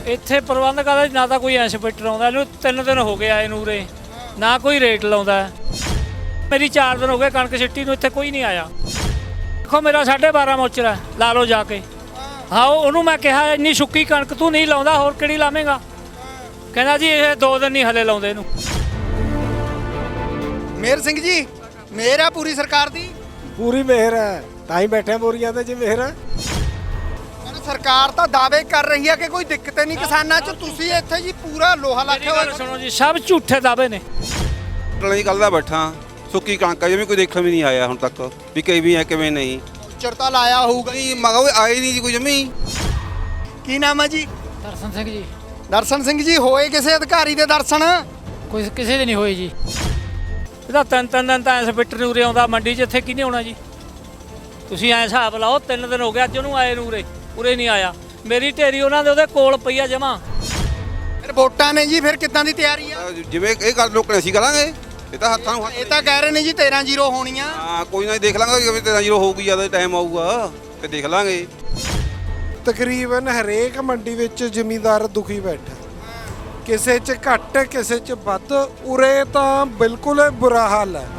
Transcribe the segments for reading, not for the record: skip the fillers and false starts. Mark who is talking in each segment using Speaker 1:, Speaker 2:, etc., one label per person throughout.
Speaker 1: ਇੱਥੇ ਪ੍ਰਬੰਧਕਾਂ ਦਾ ਨਾ ਤਾਂ ਕੋਈ ਇੰਸਪੈਕਟਰ ਆਉਂਦਾ, ਇਹਨੂੰ 3 ਦਿਨ ਹੋ ਗਏ ਆਏ ਨੂੰ ਉਰੇ, ਨਾ ਕੋਈ ਰੇਟ ਲਾਉਂਦਾ। ਮੇਰੀ 4 ਦਿਨ ਹੋ ਗਏ ਕਣਕ ਸਿੱਟੀ ਨੂੰ, ਇੱਥੇ ਕੋਈ ਨਹੀਂ ਆਇਆ। ਦੇਖੋ ਮੇਰਾ 12.5 ਮੋਚਰ ਹੈ, ਲਾ ਲਓ ਜਾ ਕੇ। ਹਾਂ ਉਹਨੂੰ ਮੈਂ ਕਿਹਾ ਇੰਨੀ ਸੁੱਕੀ ਕਣਕ ਤੂੰ ਨਹੀਂ ਲਾਉਂਦਾ, ਹੋਰ ਕਿਹੜੀ ਲਾਵੇਂਗਾ? ਕਹਿੰਦਾ ਜੀ ਇਹ 2 ਦਿਨ ਨਹੀਂ ਹਲੇ ਲਾਉਂਦੇ ਇਹਨੂੰ।
Speaker 2: ਮੇਹਰ ਸਿੰਘ ਜੀ, ਮੇਹਰ ਆ ਪੂਰੀ ਸਰਕਾਰ ਦੀ?
Speaker 3: ਪੂਰੀ ਮਿਹਰ ਹੈ, ਤਾਂ ਹੀ ਬੈਠੇ ਬੋਰੀਆਂ ਤੇ। ਜੀ ਮਿਹਰ ਹੈ,
Speaker 2: ਸਰਕਾਰ ਤਾਂ ਦਾਅਵੇ ਕਰ ਰਹੀ ਹੈ ਕਿ ਕੋਈ ਦਿੱਕਤ ਨਹੀਂ ਕਿਸਾਨਾਂ 'ਚ, ਤੁਸੀਂ ਇੱਥੇ ਜੀ ਪੂਰਾ ਲੋਹਾ ਲਾਖਿਆ ਹੋਇਆ।
Speaker 1: ਸੁਣੋ ਜੀ, ਸਭ ਝੂਠੇ ਦਾਅਵੇ ਨੇ।
Speaker 4: ਜੀ ਕੱਲ੍ਹ ਦਾ ਬੈਠਾ, ਸੁੱਕੀ ਕਣਕ ਜਿਵੇਂ ਕੋਈ ਦੇਖਣ ਵੀ ਨਹੀਂ ਆਇਆ ਹੁਣ ਤੱਕ ਵੀ ਕਿਵੇਂ ਹੈ ਕਿਵੇਂ ਨਹੀਂ।
Speaker 2: ਚਰਤਾ ਲਾਇਆ ਹੋਊਗਾ
Speaker 4: ਨਹੀਂ ਮਗਾ ਆਏ ਨਹੀਂ ਜੀ ਕੋਈ ਜਮੀ।
Speaker 2: ਕੀ ਨਾਮ ਹੈ ਜੀ?
Speaker 1: ਦਰਸ਼ਨ ਸਿੰਘ ਜੀ।
Speaker 2: ਦਰਸ਼ਨ ਸਿੰਘ ਜੀ, ਹੋਏ ਕਿਸੇ ਅਧਿਕਾਰੀ ਦੇ ਦਰਸ਼ਨ?
Speaker 1: ਕੋਈ ਕਿਸੇ ਦੇ ਨਹੀਂ ਹੋਏ ਜੀ। ਇਹਦਾ 3 ਦਿਨ ਤਾਂ ਇੰਸਪੈਕਟਰ ਨੂੰ ਉਰੇ ਆਉਂਦਾ, ਮੰਡੀ 'ਚ ਇੱਥੇ ਕਿਹਨੇ ਆਉਣਾ ਜੀ? ਤੁਸੀਂ ਐਂ ਹਿਸਾਬ ਲਾਓ, 3 ਦਿਨ ਹੋ ਗਏ ਅੱਜ ਉਹਨੂੰ ਆਏ ਨੂੰ ਉਰੇ ਨਹੀਂ ਆਇਆ। ਮੇਰੀ ਢੇਰੀ ਉਹਨਾਂ ਦੇ ਉਹਦੇ ਕੋਲ ਪਈ ਆ ਜਮਾ।
Speaker 2: ਫਿਰ ਵੋਟਾਂ ਨੇ ਜੀ, ਫਿਰ ਕਿੱਦਾਂ ਦੀ ਤਿਆਰੀ ਆ?
Speaker 4: ਜਿਵੇਂ ਇਹ ਗੱਲ ਲੋਕਾਂ ਅਸੀਂ ਕਰਾਂਗੇ, ਇਹ ਤਾਂ ਹੱਥਾਂ ਨੂੰ
Speaker 2: ਇਹ ਤਾਂ ਕਹਿ ਰਹੇ ਨੇ ਜੀ 13-0 ਹੋਣੀਆਂ।
Speaker 4: ਹਾਂ ਕੋਈ ਨਾ ਦੇਖ ਲਾਂਗੇ ਕਿਵੇਂ 13-0 ਹੋਊਗੀ, ਜਿਆਦਾ ਟਾਈਮ ਆਊਗਾ ਤੇ ਦੇਖ ਲਾਂਗੇ।
Speaker 3: ਤਕਰੀਬਨ ਹਰੇਕ ਮੰਡੀ ਵਿੱਚ ਜ਼ਿਮੀਂਦਾਰ ਦੁਖੀ ਬੈਠਾ, ਕਿਸੇ 'ਚ ਘੱਟ ਕਿਸੇ 'ਚ ਵੱਧ। ਉਰੇ ਤਾਂ ਬਿਲਕੁਲ ਬੁਰਾ ਹਾਲ ਹੈ।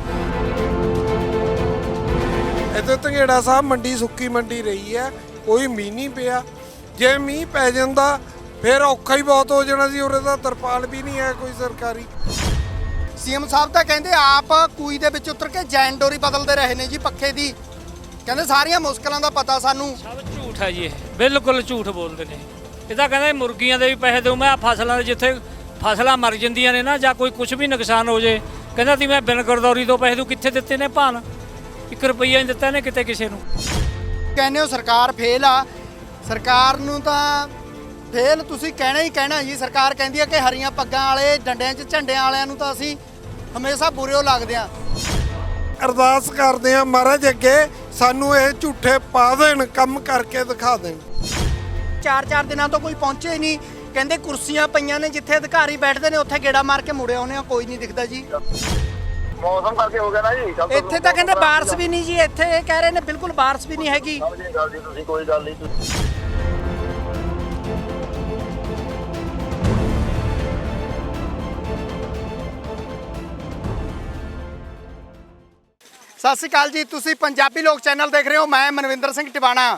Speaker 3: ਇੱਥੇ ਧੰਗੇੜਾ ਸਾਹਿਬ ਮੰਡੀ ਸੁੱਕੀ ਮੰਡੀ ਰਹੀ ਹੈ, ਕੋਈ ਮੀਂਹ ਨਹੀਂ ਪਿਆ। ਜੇ ਮੀਂਹ ਪੈ ਜਾਂਦਾ ਫਿਰ ਔਖਾ ਹੀ ਬਹੁਤ ਹੋ ਜਾਣਾ ਸੀ। ਉਰੇ ਤਾਂ ਤਰਪਾਲ ਵੀ ਨਹੀਂ ਹੈ ਕੋਈ ਸਰਕਾਰੀ।
Speaker 2: ਸੀਐਮ ਸਾਹਿਬ ਤਾਂ ਕਹਿੰਦੇ ਆਪ ਕੂਈ ਦੇ ਵਿੱਚ ਉਤਰ ਕੇ ਜੈਨ ਡੋਰੀ ਬਦਲਦੇ ਰਹੇ ਨੇ ਜੀ ਪੱਖੇ ਦੀ। ਕਹਿੰਦੇ ਸਾਰੀਆਂ ਮੁਸ਼ਕਲਾਂ ਦਾ ਪਤਾ ਸਾਨੂੰ।
Speaker 1: ਸਭ ਝੂਠ ਹੈ ਜੀ, ਇਹ ਬਿਲਕੁਲ ਝੂਠ ਬੋਲਦੇ ਨੇ। ਇਹ ਤਾਂ ਕਹਿੰਦੇ ਮੁਰਗੀਆਂ ਦੇ ਵੀ ਪੈਸੇ ਦਊ ਮੈਂ, ਫਸਲਾਂ ਦੇ ਜਿੱਥੇ ਫਸਲਾਂ ਮਰ ਜਾਂਦੀਆਂ ਨੇ ਨਾ ਜਾਂ ਕੋਈ ਕੁਝ ਵੀ ਨੁਕਸਾਨ ਹੋ ਜੇ, ਕਹਿੰਦਾ ਤੀ ਮੈਂ ਬਿਨ ਗਰਦੌਰੀ ਤੋਂ ਪੈਸੇ ਦਊ। ਕਿੱਥੇ ਦਿੱਤੇ ਨੇ ਭਾਨ? 1 ਰੁਪਈਆ ਨਹੀਂ ਦਿੱਤਾ ਨੇ ਕਿਤੇ ਕਿਸੇ ਨੂੰ।
Speaker 2: ਕਹਿੰਦੇ ਹੋ ਸਰਕਾਰ ਫੇਲ ਆ, ਸਰਕਾਰ ਨੂੰ ਤਾਂ ਫੇਲ ਤੁਸੀਂ ਕਹਿਣਾ ਹੀ ਕਹਿਣਾ ਜੀ। ਸਰਕਾਰ ਕਹਿੰਦੀ ਹੈ ਕਿ ਹਰੀਆਂ ਪੱਗਾਂ ਵਾਲੇ, ਡੰਡਿਆਂ 'ਚ ਝੰਡਿਆਂ ਵਾਲਿਆਂ ਨੂੰ ਤਾਂ ਅਸੀਂ ਹਮੇਸ਼ਾ ਬੁਰੇ ਲੱਗਦੇ ਆ।
Speaker 3: ਅਰਦਾਸ ਕਰਦੇ ਆ ਮਹਾਰਾਜ ਅੱਗੇ ਸਾਨੂੰ ਇਹ ਝੂਠੇ ਪਾ ਦੇਣ, ਕੰਮ ਕਰਕੇ ਦਿਖਾ ਦੇਣ।
Speaker 2: 4 ਦਿਨਾਂ ਤੋਂ ਕੋਈ ਪਹੁੰਚੇ ਹੀ ਨਹੀਂ। ਕਹਿੰਦੇ ਕੁਰਸੀਆਂ ਪਈਆਂ ਨੇ ਜਿੱਥੇ ਅਧਿਕਾਰੀ ਬੈਠਦੇ ਨੇ, ਉੱਥੇ ਗੇੜਾ ਮਾਰ ਕੇ ਮੁੜੇ ਆਉਂਦੇ ਆ, ਕੋਈ ਨਹੀਂ ਦਿਖਦਾ ਜੀ।
Speaker 5: ਮੌਸਮ ਕਰਕੇ ਹੋ ਗਿਆ ਨਾ ਜੀ।
Speaker 2: ਇੱਥੇ ਤਾਂ ਕਹਿੰਦੇ ਬਾਰਿਸ਼ ਵੀ ਨਹੀਂ ਜੀ, ਇੱਥੇ ਇਹ ਕਹਿ ਰਹੇ ਨੇ ਬਿਲਕੁਲ ਬਾਰਿਸ਼ ਵੀ ਨਹੀਂ ਹੈਗੀ।
Speaker 5: ਸਮਝੇ ਗੱਲ ਜੀ ਤੁਸੀਂ, ਕੋਈ ਗੱਲ ਨਹੀਂ।
Speaker 2: ਸਤਿ ਸ਼੍ਰੀ ਅਕਾਲ ਜੀ, ਤੁਸੀਂ ਪੰਜਾਬੀ ਲੋਕ ਚੈਨਲ ਦੇਖ ਰਹੇ ਹੋ। ਮੈਂ ਮਨਵਿੰਦਰ ਸਿੰਘ ਟਿਵਾਣਾ।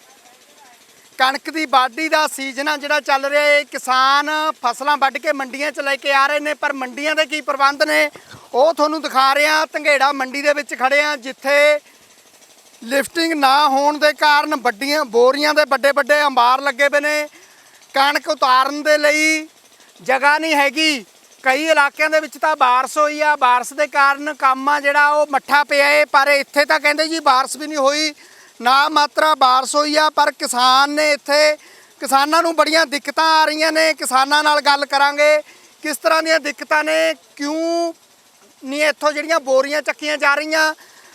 Speaker 2: ਕਣਕ ਦੀ ਵਾਢੀ ਦਾ ਸੀਜ਼ਨ ਆ ਜਿਹੜਾ ਚੱਲ ਰਿਹਾ ਹੈ। ਕਿਸਾਨ ਫਸਲਾਂ ਵੱਢ ਕੇ ਮੰਡੀਆਂ 'ਚ ਲੈ ਕੇ ਆ ਰਹੇ ਨੇ, ਪਰ ਮੰਡੀਆਂ ਦੇ ਕੀ ਪ੍ਰਬੰਧ ਨੇ ਉਹ ਤੁਹਾਨੂੰ ਦਿਖਾ ਰਹੇ ਹਾਂ। ਧੰਗੇੜਾ ਮੰਡੀ ਦੇ ਵਿੱਚ ਖੜੇ ਆ, ਜਿੱਥੇ ਲਿਫਟਿੰਗ ਨਾ ਹੋਣ ਦੇ ਕਾਰਨ ਵੱਡੀਆਂ ਬੋਰੀਆਂ ਦੇ ਵੱਡੇ ਅੰਬਾਰ ਲੱਗੇ ਪਏ ਨੇ। ਕਣਕ ਉਤਾਰਨ ਦੇ ਲਈ ਜਗ੍ਹਾ ਨਹੀਂ ਹੈਗੀ। ਕਈ ਇਲਾਕਿਆਂ ਦੇ ਵਿੱਚ ਤਾਂ ਬਾਰਿਸ਼ ਹੋਈ ਆ, ਬਾਰਿਸ਼ ਦੇ ਕਾਰਨ ਕੰਮ ਆ ਜਿਹੜਾ ਉਹ ਮੱਠਾ ਪਿਆ ਏ। ਪਰ ਇੱਥੇ ਤਾਂ ਕਹਿੰਦੇ ਜੀ ਬਾਰਿਸ਼ ਵੀ ਨਹੀਂ ਹੋਈ, ਨਾ ਮਾਤਰਾ ਬਾਰਿਸ਼ ਹੋਈ ਆ। ਪਰ ਕਿਸਾਨ ਨੇ ਇੱਥੇ, ਕਿਸਾਨਾਂ ਨੂੰ ਬੜੀਆਂ ਦਿੱਕਤਾਂ ਆ ਰਹੀਆਂ ਨੇ। ਕਿਸਾਨਾਂ ਨਾਲ ਗੱਲ ਕਰਾਂਗੇ ਕਿਸ ਤਰ੍ਹਾਂ ਦੀਆਂ ਦਿੱਕਤਾਂ ਨੇ, ਕਿਉਂ ਨਹੀਂ ਇੱਥੋਂ ਜਿਹੜੀਆਂ ਬੋਰੀਆਂ ਚੱਕੀਆਂ ਜਾ ਰਹੀਆਂ।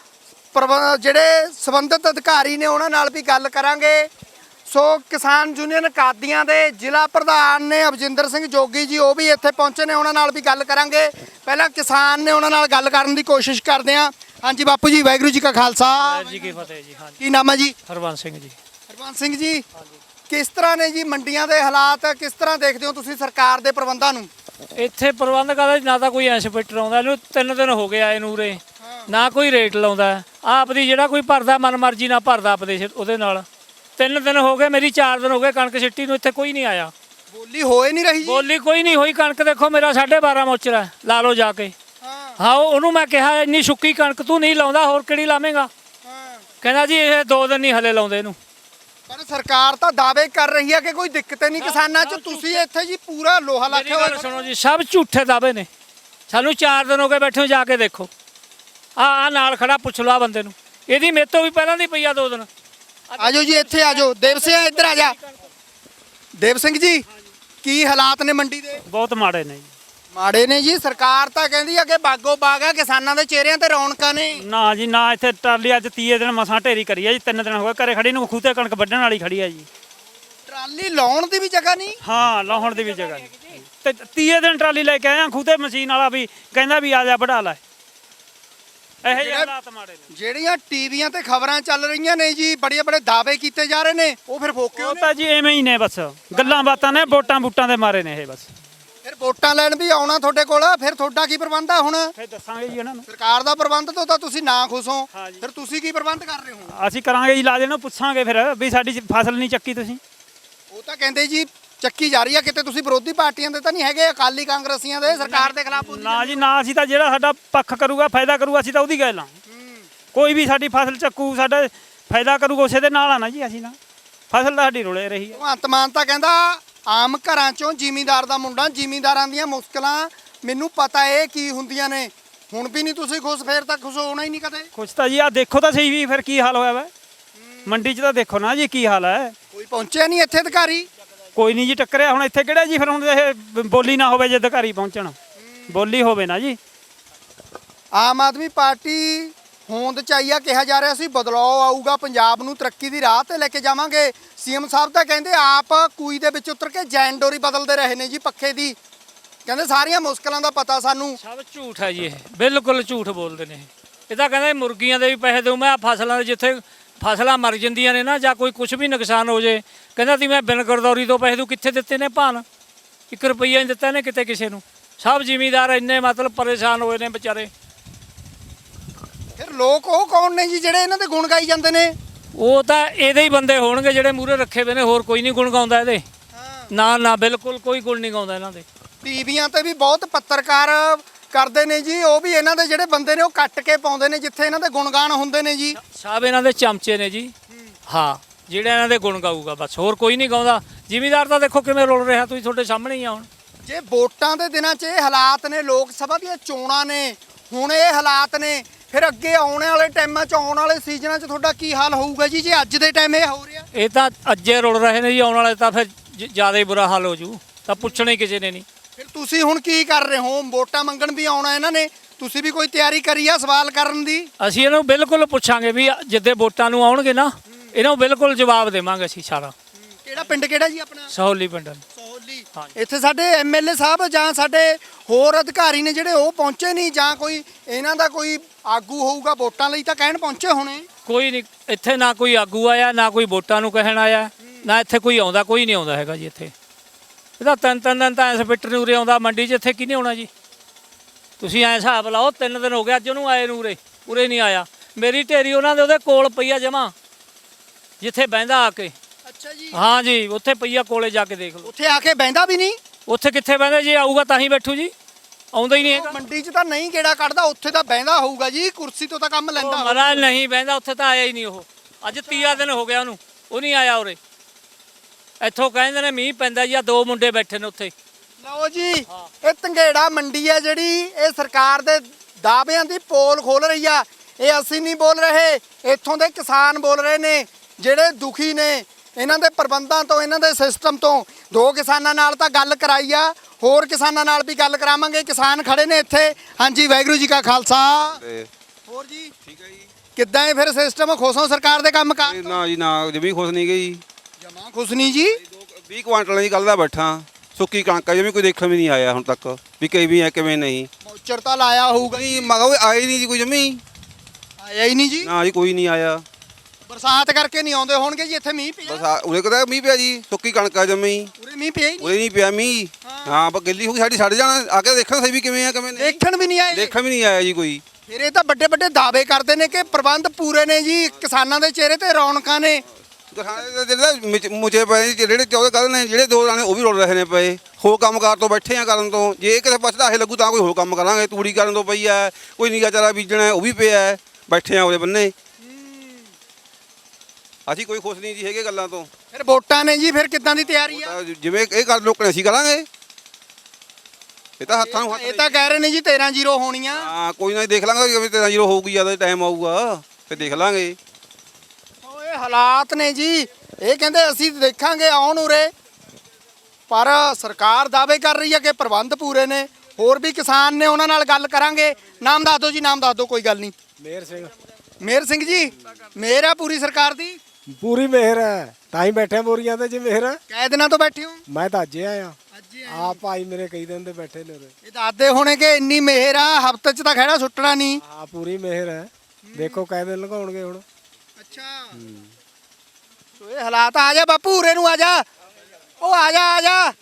Speaker 2: ਜਿਹੜੇ ਸੰਬੰਧਿਤ ਅਧਿਕਾਰੀ ਨੇ ਉਹਨਾਂ ਨਾਲ ਵੀ ਗੱਲ ਕਰਾਂਗੇ। ਸੋ ਕਿਸਾਨ ਯੂਨੀਅਨ ਕਾਦੀਆਂ ਦੇ ਜ਼ਿਲ੍ਹਾ ਪ੍ਰਧਾਨ ਨੇ ਅਵਜਿੰਦਰ ਸਿੰਘ ਜੋਗੀ ਜੀ, ਉਹ ਵੀ ਇੱਥੇ ਪਹੁੰਚੇ ਨੇ, ਉਹਨਾਂ ਨਾਲ ਵੀ ਗੱਲ ਕਰਾਂਗੇ। ਪਹਿਲਾਂ ਕਿਸਾਨ ਨੇ, ਉਹਨਾਂ ਨਾਲ ਗੱਲ ਕਰਨ ਦੀ ਕੋਸ਼ਿਸ਼ ਕਰਦੇ ਹਾਂ। ਹਾਂਜੀ ਬਾਪੂ ਜੀ, ਵਾਹਿਗੁਰੂ ਜੀ ਕਾ ਖਾਲਸਾ
Speaker 1: ਜੀ ਕੀ ਫਤਿਹ ਜੀ। ਹਾਂਜੀ,
Speaker 2: ਕੀ ਨਾਮ ਹੈ ਜੀ?
Speaker 1: ਹਰਬੰਸ ਸਿੰਘ ਜੀ।
Speaker 2: ਹਰਬੰਸ ਸਿੰਘ ਜੀ, ਕਿਸ ਤਰ੍ਹਾਂ ਨੇ ਜੀ ਮੰਡੀਆਂ ਦੇ ਹਾਲਾਤ? ਕਿਸ ਤਰ੍ਹਾਂ ਦੇਖਦੇ ਹੋ ਤੁਸੀਂ ਸਰਕਾਰ ਦੇ ਪ੍ਰਬੰਧਾਂ ਨੂੰ?
Speaker 1: ਇੱਥੇ ਪ੍ਰਬੰਧਕਾਂ ਦਾ ਨਾ ਤਾਂ ਕੋਈ ਇੰਸਪੈਕਟਰ ਆਉਂਦਾ, ਇਹਨੂੰ 3 ਦਿਨ ਹੋ ਗਏ ਆਏ ਨੂੰ ਉਰੇ, ਨਾ ਕੋਈ ਰੇਟ ਲਾਉਂਦਾ। ਆਪ ਦੀ ਜਿਹੜਾ ਕੋਈ ਭਰਦਾ ਮਨਮਰਜ਼ੀ ਨਾਲ ਭਰਦਾ ਆਪਦੇ ਉਹਦੇ ਨਾਲ। 3 ਦਿਨ ਹੋ ਗਏ, ਮੇਰੀ 4 ਦਿਨ ਹੋ ਗਏ ਕਣਕ ਸਿੱਟੀ ਨੂੰ, ਇੱਥੇ ਕੋਈ ਨਹੀਂ ਆਇਆ।
Speaker 2: ਬੋਲੀ ਹੋਏ ਨਹੀਂ ਰਹੀ ਜੀ?
Speaker 1: ਬੋਲੀ ਕੋਈ ਨਹੀਂ ਹੋਈ। ਕਣਕ ਦੇਖੋ ਮੇਰਾ 12.5 ਮੋਚਰ ਹੈ, ਲਾ ਲਓ ਜਾ ਕੇ। ਹਾਂ ਉਹਨੂੰ ਮੈਂ ਕਿਹਾ ਇੰਨੀ ਸੁੱਕੀ ਕਣਕ ਤੂੰ ਨਹੀਂ ਲਾਉਂਦਾ, ਹੋਰ ਕਿਹੜੀ ਲਾਵੇਂਗਾ? ਕਹਿੰਦਾ ਜੀ ਇਹ 2 ਦਿਨ ਨਹੀਂ ਹਲੇ ਲਾਉਂਦੇ ਇਹਨੂੰ।
Speaker 2: ਪਰ ਸਰਕਾਰ ਤਾਂ ਦਾਅਵੇ ਕਰ ਰਹੀ ਹੈ ਕਿ ਕੋਈ ਦਿੱਕਤ ਨਹੀਂ ਕਿਸਾਨਾਂ 'ਚ, ਤੁਸੀਂ ਇੱਥੇ ਜੀ ਪੂਰਾ ਲੋਹਾ ਲਾਖਿਆ ਹੋਇਆ।
Speaker 1: ਸੁਣੋ ਜੀ, ਸਭ ਝੂਠੇ ਦਾਅਵੇ ਨੇ। ਸਾਨੂੰ 4 ਦਿਨ ਹੋ ਗਏ ਬੈਠੇ, ਜਾ ਕੇ ਦੇਖੋ। ਆ ਨਾਲ ਖੜਾ ਪੁੱਛ ਲਓ ਆ ਬੰਦੇ ਨੂੰ, ਇਹਦੀ ਮੇਰੇ ਤੋਂ ਵੀ ਪਹਿਲਾਂ ਦੀ ਪਈ ਆ 2 ਦਿਨ।
Speaker 2: ਆਜੋ ਜੀ, ਇੱਥੇ ਆਜੋ। ਦੇਵ ਸਿੰਘ ਇੱਧਰ ਆ ਜਾ। ਦੇਵ ਸਿੰਘ ਜੀ, ਕੀ ਹਾਲਾਤ ਨੇ ਮੰਡੀ ਦੇ?
Speaker 1: ਬਹੁਤ ਮਾੜੇ ਨੇ ਜੀ।
Speaker 2: ਮਾੜੇ ਨੇ ਜੀ। ਸਰਕਾਰ ਤਾਂ ਕਹਿੰਦੀ ਆ ਕਿ ਬਾਗੋ ਬਾਗ ਆ, ਕਿਸਾਨਾਂ ਦੇ ਚਿਹਰਿਆਂ ਤੇ ਰੌਣਕਾਂ ਨੇ।
Speaker 6: ਨਾ ਜੀ ਨਾ, ਇੱਥੇ ਟਰਾਲੀ ਅੱਜ 30 ਦਿਨ ਮਸਾਂ ਢੇਰੀ ਕਰੀ ਆ ਜੀ। 3 ਦਿਨ ਹੋ ਗਏ ਘਰੇ ਖੜੀ ਨੂੰ, ਖੂਤੇ ਕਣਕ ਵੱਢਣ ਵਾਲੀ ਖੜੀ ਆ ਜੀ।
Speaker 2: ਟਰਾਲੀ ਲਾਉਣ ਦੀ ਵੀ ਜਗ੍ਹਾ ਨਹੀਂ?
Speaker 6: ਹਾਂ, ਲਾਉਣ ਦੀ ਵੀ ਜਗ੍ਹਾ ਨਹੀਂ। ਤੇ 30 ਦਿਨ ਟਰਾਲੀ ਲੈ ਕੇ ਆਇਆ, ਖੂਤੇ ਮਸ਼ੀਨ ਵਾਲਾ ਵੀ ਕਹਿੰਦਾ ਵੀ ਆ ਜਾ ਵਢਾ ਲੈ। ਇਹੋ ਜਿਹੇ ਹਾਲਾਤ ਮਾੜੇ ਨੇ।
Speaker 2: ਜਿਹੜੀਆਂ ਟੀਵੀਆਂ ਤੇ ਖਬਰਾਂ ਚੱਲ ਰਹੀਆਂ ਨੇ ਜੀ, ਬੜੇ ਬੜੇ ਦਾਅਵੇ ਕੀਤੇ ਜਾ ਰਹੇ ਨੇ, ਉਹ ਫਿਰ ਫੋਕੇ
Speaker 6: ਉਹ ਤਾਂ ਜੀ ਐਵੇਂ ਹੀ ਨੇ, ਬਸ ਗੱਲਾਂ ਬਾਤਾਂ ਨੇ, ਵੋਟਾਂ ਬੂਟਾਂ ਦੇ ਮਾਰੇ ਨੇ ਇਹ ਬਸ।
Speaker 2: ਫਿਰ ਵੋਟਾਂ ਲੈਣ ਵੀ ਆਉਣਾ ਤੁਹਾਡੇ ਕੋਲ, ਫਿਰ ਤੁਹਾਡਾ ਕੀ ਪ੍ਰਬੰਧ ਆ ਹੁਣ?
Speaker 6: ਫਿਰ ਦੱਸਾਂਗੇ ਜੀ ਇਹਨਾਂ ਨੂੰ।
Speaker 2: ਸਰਕਾਰ ਦਾ ਪ੍ਰਬੰਧ ਤੋਂ ਤਾਂ ਤੁਸੀਂ ਨਾ ਖੁਸ਼ ਹੋ,
Speaker 6: ਹਾਂ ਜੀ।
Speaker 2: ਫਿਰ ਤੁਸੀਂ ਕੀ ਪ੍ਰਬੰਧ ਕਰ ਰਹੇ ਹੋ?
Speaker 6: ਅਸੀਂ ਕਰਾਂਗੇ ਜੀ, ਲਾ ਦੇਣਾ, ਪੁੱਛਾਂਗੇ ਫਿਰ ਵੀ ਸਾਡੀ ਫਸਲ ਨਹੀਂ ਚੱਕੀ ਤੁਸੀਂ।
Speaker 2: ਉਹ ਤਾਂ ਕਹਿੰਦੇ ਜੀ ਚੱਕੀ ਜਾ ਰਹੀ ਆ, ਕਿਤੇ ਤੁਸੀਂ ਵਿਰੋਧੀ ਪਾਰਟੀਆਂ ਦੇ ਤਾਂ ਨਹੀਂ ਹੈਗੇ, ਅਕਾਲੀ ਕਾਂਗਰਸੀਆਂ ਦੇ, ਸਰਕਾਰ ਦੇ ਖਿਲਾਫ ਬੋਲੀ
Speaker 6: ਨਾ ਜੀ ਨਾ, ਅਸੀਂ ਤਾਂ ਜਿਹੜਾ ਸਾਡਾ ਪੱਖ ਕਰੂਗਾ, ਫਾਇਦਾ ਕਰੂਗਾ, ਅਸੀਂ ਤਾਂ ਉਹਦੀ ਗੱਲ ਆ। ਕੋਈ ਵੀ ਸਾਡੀ ਫਸਲ ਚੱਕੂ, ਸਾਡਾ ਫਾਇਦਾ ਕਰੂਗਾ, ਉਸੇ ਦੇ ਨਾਲ ਆ ਨਾ ਜੀ। ਅਸੀਂ ਨਾ ਫਸਲ ਤਾਂ ਸਾਡੀ ਰੁਲੇ ਰਹੀ ਹੈ।
Speaker 2: ਭਗਵੰਤ ਮਾਨ ਤਾਂ ਕਹਿੰਦਾ ਆਮ ਘਰਾਂ ਚੋਂ ਜ਼ਿਮੀਂਦਾਰ ਦਾ ਮੁੰਡਾ, ਜ਼ਿਮੀਂਦਾਰਾਂ ਦੀਆਂ ਮੁਸ਼ਕਲਾਂ ਮੈਨੂੰ ਪਤਾ ਏ ਕੀ ਹੁੰਦੀਆਂ ਨੇ। ਹੁਣ ਵੀ ਨਹੀਂ ਤੁਸੀਂ ਖੁਸ਼, ਫੇਰ ਤਾਂ ਖੁਸ਼ ਹੋਣਾ ਹੀ ਨਹੀਂ ਕਦੇ।
Speaker 6: ਕੁਛ ਤਾਂ ਜੀ ਆ ਦੇਖੋ ਤਾਂ ਸਹੀ ਵੀ ਫਿਰ ਕੀ ਹਾਲ ਹੋਇਆ ਵਾ ਮੰਡੀ 'ਚ, ਤਾਂ ਦੇਖੋ ਨਾ ਜੀ ਕੀ ਹਾਲ ਹੈ।
Speaker 2: ਕੋਈ ਪਹੁੰਚਿਆ ਨਹੀਂ ਇੱਥੇ ਅਧਿਕਾਰੀ?
Speaker 6: ਕੋਈ ਨਹੀਂ ਜੀ ਟੱਕਰਿਆ ਹੁਣ ਇੱਥੇ ਕਿਹੜਾ ਜੀ, ਫਿਰ ਹੁਣ ਇਹ ਬੋਲੀ ਨਾ ਹੋਵੇ ਜੇ ਅਧਿਕਾਰੀ ਪਹੁੰਚਣ, ਬੋਲੀ ਹੋਵੇ ਨਾ ਜੀ।
Speaker 2: ਆਮ ਆਦਮੀ ਪਾਰਟੀ ਹੋਂਦ ਚ ਆਈ ਆ, ਕਿਹਾ ਜਾ ਰਿਹਾ ਸੀ ਬਦਲਾਅ ਆਊਗਾ, ਪੰਜਾਬ ਨੂੰ ਤਰੱਕੀ ਦੀ ਰਾਹ ਤੇ ਲੈ ਕੇ ਜਾਵਾਂਗੇ। ਸੀਐਮ ਸਾਹਿਬ ਤਾਂ ਕਹਿੰਦੇ ਆਪ ਕੂਈ ਦੇ ਵਿੱਚ ਉਤਰ ਕੇ ਜੈਨ ਡੋਰੀ ਬਦਲਦੇ ਰਹੇ ਨੇ ਜੀ ਪੱਖੇ ਦੀ। ਕਹਿੰਦੇ ਸਾਰੀਆਂ ਮੁਸ਼ਕਲਾਂ ਦਾ ਪਤਾ ਸਾਨੂੰ।
Speaker 1: ਸਭ ਝੂਠ ਹੈ ਜੀ, ਇਹ ਬਿਲਕੁਲ ਝੂਠ ਬੋਲਦੇ ਨੇ ਇਹ ਤਾਂ ਕਹਿੰਦੇ ਮੁਰਗੀਆਂ ਦੇ ਵੀ ਪੈਸੇ ਦਊ ਮੈਂ, ਫਸਲਾਂ ਦੇ ਜਿੱਥੇ ਫਸਲਾਂ ਮਰ ਜਾਂਦੀਆਂ ਨੇ ਨਾ, ਜਾਂ ਕੋਈ ਕੁਝ ਵੀ ਨੁਕਸਾਨ ਹੋ ਜੇ, ਕਹਿੰਦਾ ਤੀ ਮੈਂ ਬਿਨ ਗਰਦੌਰੀ ਤੋਂ ਪੈਸੇ ਦਊ। ਕਿੱਥੇ ਦਿੱਤੇ ਨੇ ਭਾਨ? 1 ਰੁਪਈਆ ਨਹੀਂ ਦਿੱਤਾ ਨੇ ਕਿਤੇ ਕਿਸੇ ਨੂੰ। ਸਭ ਜ਼ਿਮੀਂਦਾਰ ਇੰਨੇ ਮਤਲਬ ਪਰੇਸ਼ਾਨ ਹੋਏ ਨੇ ਵਿਚਾਰੇ।
Speaker 2: ਫਿਰ ਲੋਕ ਉਹ ਕੌਣ ਨੇ ਜੀ ਜਿਹੜੇ ਇਹਨਾਂ ਦੇ ਗੁਣ ਗਾਈ ਜਾਂਦੇ ਨੇ?
Speaker 1: ਉਹ ਤਾਂ ਇਹਦੇ ਹੀ ਬੰਦੇ ਹੋਣਗੇ ਜਿਹੜੇ ਮੂਹਰੇ ਰੱਖੇ ਹੋਏ ਨੇ, ਹੋਰ ਕੋਈ ਨਹੀਂ ਗੁਣ ਗਾਉਂਦਾ ਇਹਦੇ। ਨਾ ਨਾ, ਬਿਲਕੁਲ ਕੋਈ ਗੁਣ ਨਹੀਂ ਗਾਉਂਦਾ ਇਹਨਾਂ ਦੇ।
Speaker 2: ਟੀਵੀਆਂ ਤੇ ਵੀ ਬਹੁਤ ਪੱਤਰਕਾਰ ਕਰਦੇ ਨੇ ਜੀ, ਉਹ ਵੀ ਇਹਨਾਂ ਦੇ ਜਿਹੜੇ ਬੰਦੇ ਨੇ ਉਹ ਕੱਟ ਕੇ ਪਾਉਂਦੇ ਨੇ ਜਿੱਥੇ ਇਹਨਾਂ ਦੇ ਗੁਣਗਾਨ ਹੁੰਦੇ ਨੇ ਜੀ।
Speaker 1: ਸਭ ਇਹਨਾਂ ਦੇ ਚਮਚੇ ਨੇ ਜੀ। ਹਾਂ, ਜਿਹੜਾ ਇਹਨਾਂ ਦੇ ਗੁਣ ਗਾਊਗਾ ਬਸ, ਹੋਰ ਕੋਈ ਨਹੀਂ ਗਾਉਂਦਾ। ਜ਼ਿਮੀਂਦਾਰ ਤਾਂ ਦੇਖੋ ਕਿਵੇਂ ਰੁਲ ਰਿਹਾ, ਤੁਸੀਂ ਤੁਹਾਡੇ ਸਾਹਮਣੇ ਹੀ ਆ ਹੁਣ।
Speaker 2: ਜੇ ਵੋਟਾਂ ਦੇ ਦਿਨਾਂ 'ਚ ਇਹ ਹਾਲਾਤ ਨੇ, ਲੋਕ ਸਭਾ ਦੀਆਂ ਚੋਣਾਂ ਨੇ, ਹੁਣ ਇਹ ਹਾਲਾਤ ਨੇ, ਫਿਰ ਅੱਗੇ ਆਉਣ ਵਾਲੇ ਟਾਈਮਾਂ 'ਚ, ਆਉਣ ਵਾਲੇ ਸੀਜ਼ਨਾਂ 'ਚ ਤੁਹਾਡਾ ਕੀ ਹਾਲ ਹੋਊਗਾ ਜੀ, ਜੇ ਅੱਜ ਦੇ ਟਾਈਮ ਇਹ ਹੋ ਰਿਹਾ?
Speaker 1: ਇਹ ਤਾਂ ਅੱਜੇ ਰੁਲ ਰਹੇ ਨੇ ਜੀ, ਆਉਣ ਵਾਲੇ ਤਾਂ ਫਿਰ ਜ਼ਿਆਦਾ ਹੀ ਬੁਰਾ ਹਾਲ ਹੋ ਜੂ, ਤਾਂ ਪੁੱਛਣਾ ਹੀ ਕਿਸੇ ਨੇ ਨਹੀਂ।
Speaker 2: ਫਿਰ ਤੁਸੀਂ ਹੁਣ ਕੀ ਕਰ ਰਹੇ ਹੋ? ਵੋਟਾਂ ਮੰਗਣ ਵੀ ਆਉਣਾ ਇਹਨਾਂ ਨੇ, ਤੁਸੀਂ ਵੀ ਕੋਈ ਤਿਆਰੀ ਕਰੀ ਆ ਸਵਾਲ ਕਰਨ ਦੀ?
Speaker 1: ਅਸੀਂ ਇਹਨੂੰ ਬਿਲਕੁਲ ਪੁੱਛਾਂਗੇ ਵੀ ਜਿੱਦੇ ਵੋਟਾਂ ਨੂੰ ਆਉਣਗੇ ਨਾ, ਇਹਨਾਂ ਨੂੰ ਬਿਲਕੁਲ ਜਵਾਬ ਦੇਵਾਂਗੇ ਅਸੀਂ ਸਾਰਾ।
Speaker 2: ਕਿਹੜਾ ਪਿੰਡ ਕਿਹੜਾ ਜੀ ਆਪਣਾ?
Speaker 1: ਸਹੌਲੀ ਪਿੰਡ।
Speaker 2: ਸਹੌਲੀ।
Speaker 1: ਹਾਂਜੀ।
Speaker 2: ਇੱਥੇ ਸਾਡੇ ਐਮਐਲਏ ਸਾਹਿਬ ਜਾਂ ਸਾਡੇ ਹੋਰ ਅਧਿਕਾਰੀ ਨੇ ਜਿਹੜੇ, ਉਹ ਪਹੁੰਚੇ ਨਹੀਂ, ਜਾਂ ਕੋਈ ਇਹਨਾਂ ਦਾ ਕੋਈ ਆਗੂ ਹੋਊਗਾ ਵੋਟਾਂ ਲਈ ਤਾਂ ਕਹਿਣ ਪਹੁੰਚੇ ਹੋਣੇ?
Speaker 1: ਕੋਈ ਨਹੀਂ ਇੱਥੇ, ਨਾ ਕੋਈ ਆਗੂ ਆਇਆ, ਨਾ ਕੋਈ ਵੋਟਾਂ ਨੂੰ ਕਹਿਣ ਆਇਆ, ਨਾ ਇੱਥੇ ਕੋਈ ਆਉਂਦਾ, ਕੋਈ ਨਹੀਂ ਆਉਂਦਾ ਹੈਗਾ ਜੀ ਇੱਥੇ। ਇਹਦਾ ਤਿੰਨ ਦਿਨ ਤਾਂ ਇੰਸਪੈਕਟਰ ਨੂੰ ਉਰੇ ਆਉਂਦਾ ਮੰਡੀ 'ਚ, ਇੱਥੇ ਕਿਹਨੇ ਆਉਣਾ ਜੀ? ਤੁਸੀਂ ਐਂ ਹਿਸਾਬ ਲਾਓ, 3 ਦਿਨ ਹੋ ਗਏ ਅੱਜ ਉਹਨੂੰ ਆਏ ਨੂੰ, ਉਰੇ ਨਹੀਂ ਆਇਆ। ਮੇਰੀ ਢੇਰੀ ਉਹਨਾਂ ਦੇ ਉਹਦੇ ਕੋਲ ਪਈ ਆ ਜਮਾ, ਜਿੱਥੇ ਬਹਿੰਦਾ ਆ ਕੇ।
Speaker 2: ਅੱਛਾ ਜੀ।
Speaker 1: ਹਾਂ ਜੀ, ਉੱਥੇ ਪਈਆ, ਕੋਲੇ ਜਾ ਕੇ ਦੇਖ ਲਓ।
Speaker 2: ਉੱਥੇ ਆ ਕੇ ਬਹਿੰਦਾ ਵੀ ਨਹੀਂ?
Speaker 1: ਉੱਥੇ ਕਿੱਥੇ ਬਹਿੰਦਾ? ਜੇ ਆਊਗਾ ਤਾਂ ਹੀ ਬੈਠੂ ਜੀ, ਆਉਂਦਾ ਹੀ ਨਹੀਂ ਹੈਗਾ।
Speaker 2: ਮੰਡੀ 'ਚ ਤਾਂ ਨਹੀਂ ਗੇੜਾ ਕੱਢਦਾ, ਉੱਥੇ ਤਾਂ ਬਹਿੰਦਾ ਹੋਊਗਾ ਜੀ, ਕੁਰਸੀ ਤੋਂ ਤਾਂ ਕੰਮ ਲੈਂਦਾ ਹੋਊਗਾ।
Speaker 1: ਮਹਾਰਾਜ ਨਹੀਂ ਬਹਿੰਦਾ, ਉੱਥੇ ਤਾਂ ਆਇਆ ਹੀ ਨਹੀਂ ਉਹ। ਅੱਜ 30 ਦਿਨ ਹੋ ਗਿਆ ਉਹਨੂੰ, ਉਹ ਨਹੀਂ ਆਇਆ ਉਰੇ। ਇੱਥੋਂ ਕਹਿੰਦੇ ਨੇ ਮੀਂਹ ਪੈਂਦਾ ਜੀ, ਆ 2 ਮੁੰਡੇ ਬੈਠੇ ਨੇ ਉੱਥੇ।
Speaker 2: ਲਓ ਜੀ, ਇਹ ਧੰਗੇੜਾ ਮੰਡੀ ਹੈ ਜਿਹੜੀ, ਇਹ ਸਰਕਾਰ ਦੇ ਦਾਅਵਿਆਂ ਦੀ ਪੋਲ ਖੋਲ ਰਹੀ ਆ। ਇਹ ਅਸੀਂ ਨਹੀਂ ਬੋਲ ਰਹੇ, ਇੱਥੋਂ ਦੇ ਕਿਸਾਨ ਬੋਲ ਰਹੇ ਨੇ, ਜਿਹੜੇ ਦੁਖੀ ਨੇ ਇਹਨਾਂ ਦੇ ਪ੍ਰਬੰਧਾਂ ਤੋਂ, ਇਹਨਾਂ ਦੇ ਸਿਸਟਮ ਤੋਂ। 2 ਕਿਸਾਨਾਂ ਨਾਲ ਤਾਂ ਗੱਲ ਕਰਾਈ ਆ, ਹੋਰ ਕਿਸਾਨਾਂ ਨਾਲ ਵੀ ਗੱਲ ਕਰਾਵਾਂਗੇ। ਕਿਸਾਨ ਖੜੇ ਨੇ ਇੱਥੇ। ਹਾਂਜੀ, ਵਾਹਿਗੁਰੂ ਜੀ ਕਾ ਖਾਲਸਾ। ਹੋਰ ਜੀ
Speaker 4: ਠੀਕ ਹੈ ਜੀ।
Speaker 2: ਕਿੱਦਾਂ ਹੈ ਫਿਰ ਸਿਸਟਮ? ਖੁਸ਼ ਹੋ ਸਰਕਾਰ ਦੇ ਕੰਮ ਕਾਰ?
Speaker 4: ਨਾ ਜੀ ਨਾ, ਜਮੀ ਖੁਸ਼ ਨਹੀਂ ਗਈ।
Speaker 2: ਜਮਾ ਖੁਸ਼ ਨਹੀਂ ਜੀ।
Speaker 4: 20 ਕੁਆਂਟਲਾਂ ਦੀ ਗੱਲ ਦਾ ਬੈਠਾ, ਸੁੱਕੀ ਕਣਕ ਆ, ਜਮੀ ਕੋਈ ਦੇਖਣ ਵੀ ਨਹੀਂ ਆਇਆ ਹੁਣ ਤੱਕ ਵੀ ਕਿਵੇਂ ਹੈ ਕਿਵੇਂ ਨਹੀਂ।
Speaker 2: ਮੌਚਰ ਤਾਂ ਲਾਇਆ ਹੋਊਗਾ ਜੀ।
Speaker 4: ਨਹੀਂ ਮਗਾ ਆਏ ਨਹੀਂ ਜੀ ਕੋਈ ਜਮੀ।
Speaker 2: ਆਇਆ ਹੀ ਨਹੀਂ ਜੀ।
Speaker 4: ਨਾ ਜੀ, ਕੋਈ ਨਹੀਂ ਆਇਆ।
Speaker 2: ਬਰਸਾਤ ਕਰਕੇ ਨਹੀਂ ਆਉਂਦੇ ਹੋਣਗੇ ਜੀ, ਇੱਥੇ ਮੀਂਹ ਪਿਆ।
Speaker 4: ਬਸ ਉਰੇ ਕਦਾ ਮੀਂਹ ਪਿਆ ਜੀ, ਸੁੱਕੀ ਕਣਕ ਆ ਜਮੀ।
Speaker 2: ਉਰੇ ਮੀਂਹ ਪਿਆ ਹੀ ਨਹੀਂ।
Speaker 4: ਉਰੇ ਨਹੀਂ ਪਿਆ ਮੀਂਹ। ਹਾਂ, ਬਸ ਗਿੱਲੀ ਹੋ ਗਈ ਸਾਡੀ, ਛੱਡ ਜਾਣਾ ਆ ਕੇ ਦੇਖਣ ਸਹੀ ਵੀ ਕਿਵੇਂ ਆ ਕਿਵੇਂ ਨਹੀਂ।
Speaker 2: ਦੇਖਣ ਵੀ ਨਹੀਂ ਆਏ।
Speaker 4: ਦੇਖਣ ਵੀ ਨਹੀਂ ਆਇਆ ਜੀ ਕੋਈ।
Speaker 2: ਫਿਰ ਇਹ ਤਾਂ ਵੱਡੇ ਵੱਡੇ ਦਾਅਵੇ ਕਰਦੇ ਨੇ ਕਿ ਪ੍ਰਬੰਧ ਪੂਰੇ ਨੇ ਜੀ, ਕਿਸਾਨਾਂ ਦੇ ਚਿਹਰੇ ਤੇ ਰੌਣਕਾਂ ਨੇ।
Speaker 4: ਕਿਸਾਨ ਜਿਹੜੇ ਮੁਝੇ ਪਏ ਜਿਹੜੇ 14 ਕੱਲ ਨੇ, ਜਿਹੜੇ 2 ਜਾਣੇ ਉਹ ਵੀ ਰੁਲ ਰਹੇ ਨੇ ਪਏ। ਹੋਰ ਕੰਮਕਾਰ ਤੋਂ ਬੈਠੇ ਆ ਕਰਨ ਤੋਂ। ਜੇ ਕਿਸੇ ਪਾਸੇ ਦਾ ਇਹ ਲੱਗੂ ਤਾਂ ਕੋਈ ਹੋਰ ਕੰਮ ਕਰਾਂਗੇ। ਤੂੜੀ ਕਰਨ ਤੋਂ ਪਈ ਆ, ਕੋਈ ਨੀਗਾ ਚਾਰਾ ਬੀਜਣਾ ਉਹ ਵੀ ਪਿਆ, ਬੈਠੇ ਆ ਉਹਦੇ ਬੰਨੇ। ਅਸੀਂ ਕੋਈ ਖੁਸ਼ ਨਹੀਂ ਜੀ ਹੈਗੇ ਗੱਲਾਂ ਤੋਂ।
Speaker 2: ਫਿਰ ਵੋਟਾਂ ਨੇ ਜੀ, ਫਿਰ ਕਿੱਦਾਂ ਦੀ ਤਿਆਰੀ ਆ?
Speaker 4: ਜਿਵੇਂ ਇਹ ਕਰ ਲੋਕਾਂ ਨੇ ਅਸੀਂ ਕਰਾਂਗੇ। ਇਹ ਤਾਂ ਹੱਥਾਂ ਨੂੰ ਹੱਥ
Speaker 2: ਇਹ ਤਾਂ ਕਹਿ ਰਹੇ ਨੇ ਜੀ 13-0 ਹੋਣੀਆਂ।
Speaker 4: ਹਾਂ, ਕੋਈ ਨਾ ਦੇਖ ਲਾਂਗੇ ਕਿਵੇਂ 13-0 ਹੋਊਗੀ, ਜਿਆਦਾ ਟਾਈਮ ਆਊਗਾ ਫਿਰ ਦੇਖ ਲਾਂਗੇ।
Speaker 2: ਇਹ ਹਾਲਾਤ ਨੇ ਜੀ। ਇਹ ਕਹਿੰਦੇ ਅਸੀਂ ਦੇਖਾਂਗੇ ਆਉਣ ਉਰੇ, ਪਰ ਸਰਕਾਰ ਦਾਅਵੇ ਕਰ ਰਹੀ ਹੈ ਕਿ ਪ੍ਰਬੰਧ ਪੂਰੇ ਨੇ। ਹੋਰ ਵੀ ਕਿਸਾਨ ਨੇ, ਉਹਨਾਂ ਨਾਲ ਗੱਲ ਕਰਾਂਗੇ। ਨਾਮ ਦੱਸ ਦਿਓ ਜੀ, ਨਾਮ ਦੱਸ ਦਿਓ, ਕੋਈ ਗੱਲ ਨਹੀਂ।
Speaker 7: ਮੇਰ ਸਿੰਘ।
Speaker 2: ਮੇਰ ਸਿੰਘ ਜੀ, ਮੇਰ ਆ ਪੂਰੀ ਸਰਕਾਰ ਦੀ?
Speaker 7: ਪੂਰੀ ਮਿਹਰ ਹੈ ਤਾਂ ਹੀ ਬੈਠੇ ਬੋਰੀਆਂ ਤੇ ਜੀ ਮਿਹਰ ਹੈ।
Speaker 2: ਕੈ ਦਿਨਾਂ ਤੋਂ ਬੈਠੇ ਹੋ?
Speaker 7: ਮੈਂ ਤਾਂ ਅੱਜ ਹੀ ਆਇਆ
Speaker 2: ਅੱਜ ਹੀ
Speaker 7: ਆ ਭਾਈ ਮੇਰੇ ਕਈ ਦਿਨ ਦੇ ਬੈਠੇ ਨੇ ਉਰੇ।
Speaker 2: ਇਹ ਦੱਸਦੇ ਹੋਣੇ ਕਿ ਇੰਨੀ ਮਿਹਰ ਆ ਹਫ਼ਤੇ 'ਚ ਤਾਂ ਖਹਿੜਾ ਸੁੱਟਣਾ ਨਹੀਂ।
Speaker 7: ਹਾਂ ਪੂਰੀ ਮਿਹਰ ਹੈ ਦੇਖੋ ਕਈ ਦਿਨ ਲਗਾਉਣਗੇ ਹੁਣ।
Speaker 2: ਅੱਛਾ ਸੋ ਇਹ ਹਾਲਾਤ ਆ ਜਾ ਬਾਪੂ ਉਰੇ ਨੂੰ ਆ ਜਾ ਉਹ ਆ ਜਾ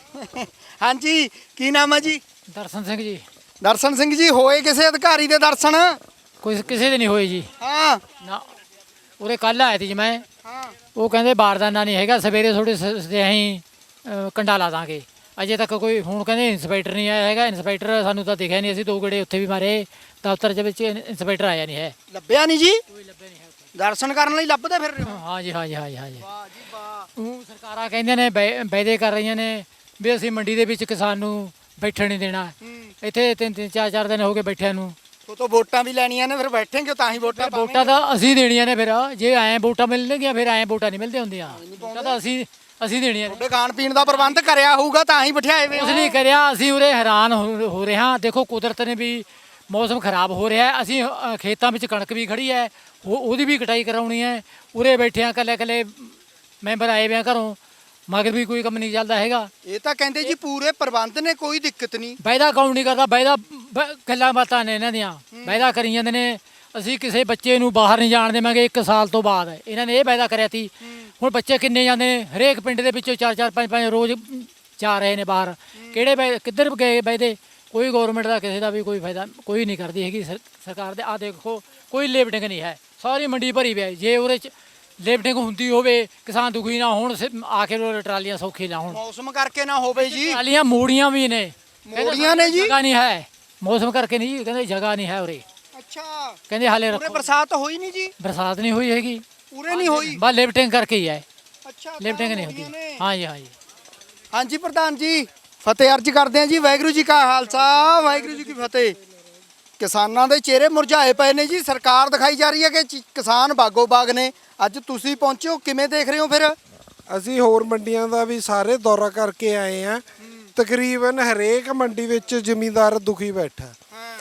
Speaker 2: ਹਾਂਜੀ ਕੀ ਨਾਮ ਹੈ ਜੀ?
Speaker 1: ਦਰਸ਼ਨ ਸਿੰਘ ਜੀ।
Speaker 2: ਦਰਸ਼ਨ ਸਿੰਘ ਜੀ ਹੋਏ ਕਿਸੇ ਅਧਿਕਾਰੀ ਦੇ ਦਰਸ਼ਨ?
Speaker 1: ਕੋਈ ਕਿਸੇ ਦੇ ਨਹੀਂ ਹੋਏ ਜੀ।
Speaker 2: ਹਾਂ
Speaker 1: ਨਾ ਉਰੇ ਕੱਲ ਆਇਆ ਸੀ ਜੀ ਮੈਂ,
Speaker 2: ਹਾਂ
Speaker 1: ਉਹ ਕਹਿੰਦੇ ਬਾਰਦਾਨਾ ਨਹੀਂ ਹੈਗਾ, ਸਵੇਰੇ ਥੋੜੇ ਅਸੀਂ ਕੰਡਾ ਲਾ ਦਾਂਗੇ। ਅਜੇ ਤੱਕ ਕੋਈ ਹੁਣ ਕਹਿੰਦੇ ਇੰਸਪੈਕਟਰ ਨਹੀਂ ਆਇਆ ਹੈਗਾ। ਇੰਸਪੈਕਟਰ ਸਾਨੂੰ ਤਾਂ ਦਿਖਿਆ ਨਹੀਂ, ਅਸੀਂ 2 ਗੇੜੇ ਉੱਥੇ ਵੀ ਮਾਰੇ, ਦਫ਼ਤਰ ਦੇ ਵਿੱਚ ਇੰਸਪੈਕਟਰ ਆਇਆ ਨਹੀਂ ਹੈ।
Speaker 2: ਲੱਭਿਆ ਨਹੀਂ ਜੀ?
Speaker 1: ਕੋਈ ਲੱਭਿਆ ਨਹੀਂ ਹੈ ਉੱਥੇ।
Speaker 2: ਦਰਸ਼ਨ ਕਰਨ ਲਈ ਲੱਭਦੇ ਫਿਰ ਰਹੇ ਹੋ?
Speaker 1: ਹਾਂ ਜੀ, ਹਾਂ ਜੀ, ਹਾਂ ਜੀ, ਹਾਂ ਜੀ।
Speaker 2: ਵਾਹ ਜੀ ਵਾਹ।
Speaker 1: ਉਹ ਸਰਕਾਰਾਂ ਕਹਿੰਦੀਆਂ ਨੇ ਵਾਅਦੇ ਕਰ ਰਹੀਆਂ ਨੇ ਵੀ ਅਸੀਂ ਮੰਡੀ ਦੇ ਵਿੱਚ ਕਿਸਾਨ ਨੂੰ ਬੈਠਣ ਨਹੀਂ ਦੇਣਾ। ਇੱਥੇ 3-3 4-4 ਦਿਨ ਹੋ ਗਏ ਬੈਠਿਆਂ ਨੂੰ।
Speaker 2: ਉਹ ਤੋਂ ਵੋਟਾਂ ਵੀ ਲੈਣੀਆਂ ਨੇ, ਫਿਰ ਬੈਠेंगे ਤਾਂ ਹੀ ਵੋਟਾਂ
Speaker 1: ਵੋਟਾਂ ਤਾਂ ਅਸੀਂ ਦੇਣੀਆਂ ਨੇ, ਫਿਰ ਜੇ ਐਂ ਵੋਟਾਂ ਮਿਲਣਗੀਆਂ ਫਿਰ ਐਂ ਵੋਟਾਂ ਨਹੀਂ ਮਿਲਦੀਆਂ ਹੁੰਦੀਆਂ। ਵੋਟਾਂ ਤਾਂ ਅਸੀਂ ਦੇਣੀਆਂ ਨੇ।
Speaker 2: ਤੁਹਾਡੇ ਖਾਣ ਪੀਣ ਦਾ ਪ੍ਰਬੰਧ ਕਰਿਆ ਹੋਊਗਾ ਤਾਂ ਹੀ ਬਿਠਾਏ ਵੇ
Speaker 1: ਕੁਛ ਨਹੀਂ ਕਰਿਆ, ਅਸੀਂ ਉਰੇ ਹੈਰਾਨ ਹੋ ਰਹੇ ਹਾਂ। ਦੇਖੋ ਕੁਦਰਤ ਨੇ ਵੀ ਮੌਸਮ ਖਰਾਬ ਹੋ ਰਿਹਾ ਹੈ। ਅਸੀਂ ਖੇਤਾਂ ਵਿੱਚ ਕਣਕ ਵੀ ਖੜੀ ਹੈ, ਉਹਦੀ ਵੀ ਕਟਾਈ ਕਰਾਉਣੀ ਹੈ। ਉਰੇ ਬੈਠੇ ਹਾਂ, ਇਕੱਲੇ ਮੈਂਬਰ ਆਏ ਵੇ ਆ ਘਰੋਂ, ਮਗਰ ਵੀ ਕੋਈ ਕੰਮ ਨਹੀਂ ਚੱਲਦਾ ਹੈਗਾ।
Speaker 2: ਇਹ ਤਾਂ ਕਹਿੰਦੇ ਜੀ ਪੂਰੇ ਪ੍ਰਬੰਧ ਨੇ, ਕੋਈ ਦਿੱਕਤ ਨਹੀਂ।
Speaker 1: ਵਾਅਦਾ ਕੌਣ ਨਹੀਂ ਕਰਦਾ? ਵਾਅਦਾ ਗੱਲਾਂ ਬਾਤਾਂ ਨੇ ਇਹਨਾਂ ਦੀਆਂ, ਵਾਅਦਾ ਕਰੀ ਜਾਂਦੇ ਨੇ। ਅਸੀਂ ਕਿਸੇ ਬੱਚੇ ਨੂੰ ਬਾਹਰ ਨਹੀਂ ਜਾਣ ਦੇਵਾਂਗੇ 1 ਸਾਲ ਤੋਂ ਬਾਅਦ, ਇਹਨਾਂ ਨੇ ਇਹ ਵਾਅਦਾ ਕਰਿਆ ਸੀ। ਹੁਣ ਬੱਚੇ ਕਿੰਨੇ ਜਾਂਦੇ ਨੇ? ਹਰੇਕ ਪਿੰਡ ਦੇ ਵਿੱਚੋਂ 4-4 5-5 ਰੋਜ਼ ਜਾ ਰਹੇ ਨੇ ਬਾਹਰ। ਕਿਹੜੇ ਕਿੱਧਰ ਗਏ ਵਾਅਦੇ? ਕੋਈ ਗਵਰਨਮੈਂਟ ਦਾ ਕਿਸੇ ਦਾ ਵੀ ਕੋਈ ਫਾਇਦਾ ਕੋਈ ਨਹੀਂ ਕਰਦੀ ਹੈਗੀ ਸਰਕਾਰ ਦੇ। ਆਹ ਦੇਖੋ ਕੋਈ ਲਿਫਟਿੰਗ ਨਹੀਂ ਹੈ, ਸਾਰੀ ਮੰਡੀ ਭਰੀ ਪਈ ਹੈ। ਜੇ ਉਹਦੇ 'ਚ ਲਿਫਟਿੰਗ ਹੁੰਦੀ ਹੋਵੇ, ਕਿਸਾਨ ਦੁਖੀ ਨਾ ਹੋਣ, ਆ ਕੇ ਟਰਾਲੀਆਂ ਸੌਖੀ ਨਾ ਹੋਣ।
Speaker 2: ਮੌਸਮ ਕਰਕੇ ਨਾ ਹੋਵੇ ਜੀ।
Speaker 1: ਟਰਾਲੀਆਂ ਮੋੜੀਆਂ ਵੀ ਨੇ,
Speaker 2: ਮੋੜੀਆਂ ਨੇ ਜੀ?
Speaker 1: ਜਗ੍ਹਾ ਨਹੀਂ ਹੈ, ਮੌਸਮ ਕਰਕੇ ਨਹੀਂ ਜੀ, ਕਹਿੰਦੇ ਜਗ੍ਹਾ ਨਹੀਂ ਹੈ ਉਰੇ।
Speaker 2: ਅੱਛਾ
Speaker 1: ਕਹਿੰਦੇ ਹਾਲੇ
Speaker 2: ਪੂਰੇ
Speaker 1: ਰੱਖੋ।
Speaker 2: ਬਰਸਾਤ ਹੋਈ ਨਹੀਂ ਜੀ?
Speaker 1: ਬਰਸਾਤ ਨਹੀਂ ਹੋਈ ਹੈਗੀ,
Speaker 2: ਪੂਰੇ ਨਹੀਂ ਹੋਈ।
Speaker 1: ਬਸ ਲਿਫਟਿੰਗ ਕਰਕੇ ਹੀ ਹੈ।
Speaker 2: ਅੱਛਾ
Speaker 1: ਲਿਫਟਿੰਗ ਨਹੀਂ ਹੁੰਦੀ। ਹਾਂ ਜੀ, ਹਾਂ ਜੀ।
Speaker 2: ਹਾਂਜੀ ਪ੍ਰਧਾਨ ਜੀ, ਫਤਿਹ ਅਰਜ ਕਰਦੇ ਹਾਂ ਜੀ। ਵਾਹਿਗੁਰੂ ਜੀ ਕਾ ਖਾਲਸਾ, ਵਾਹਿਗੁਰੂ ਜੀ ਕੀ ਫਤਿਹ। ਕਿਸਾਨਾਂ ਦੇ ਚਿਹਰੇ ਮੁਰਝਾਏ ਪਏ ਨੇ ਜੀ। ਸਰਕਾਰ ਦਿਖਾਈ ਜਾ ਰਹੀ ਹੈ ਕਿ ਕਿਸਾਨ ਬਾਗੋ ਬਾਗ ਨੇ। ਅੱਜ ਤੁਸੀਂ ਪਹੁੰਚੇ ਹੋ, ਕਿਵੇਂ ਦੇਖ ਰਹੇ ਹੋ ਫਿਰ?
Speaker 3: ਅਸੀਂ ਹੋਰ ਮੰਡੀਆਂ ਦਾ ਵੀ ਸਾਰੇ ਦੌਰਾ ਕਰਕੇ ਆਏ ਆ। ਤਕਰੀਬਨ ਹਰੇਕ ਮੰਡੀ ਵਿੱਚ ਜ਼ਿਮੀਂਦਾਰ ਦੁਖੀ ਬੈਠਾ,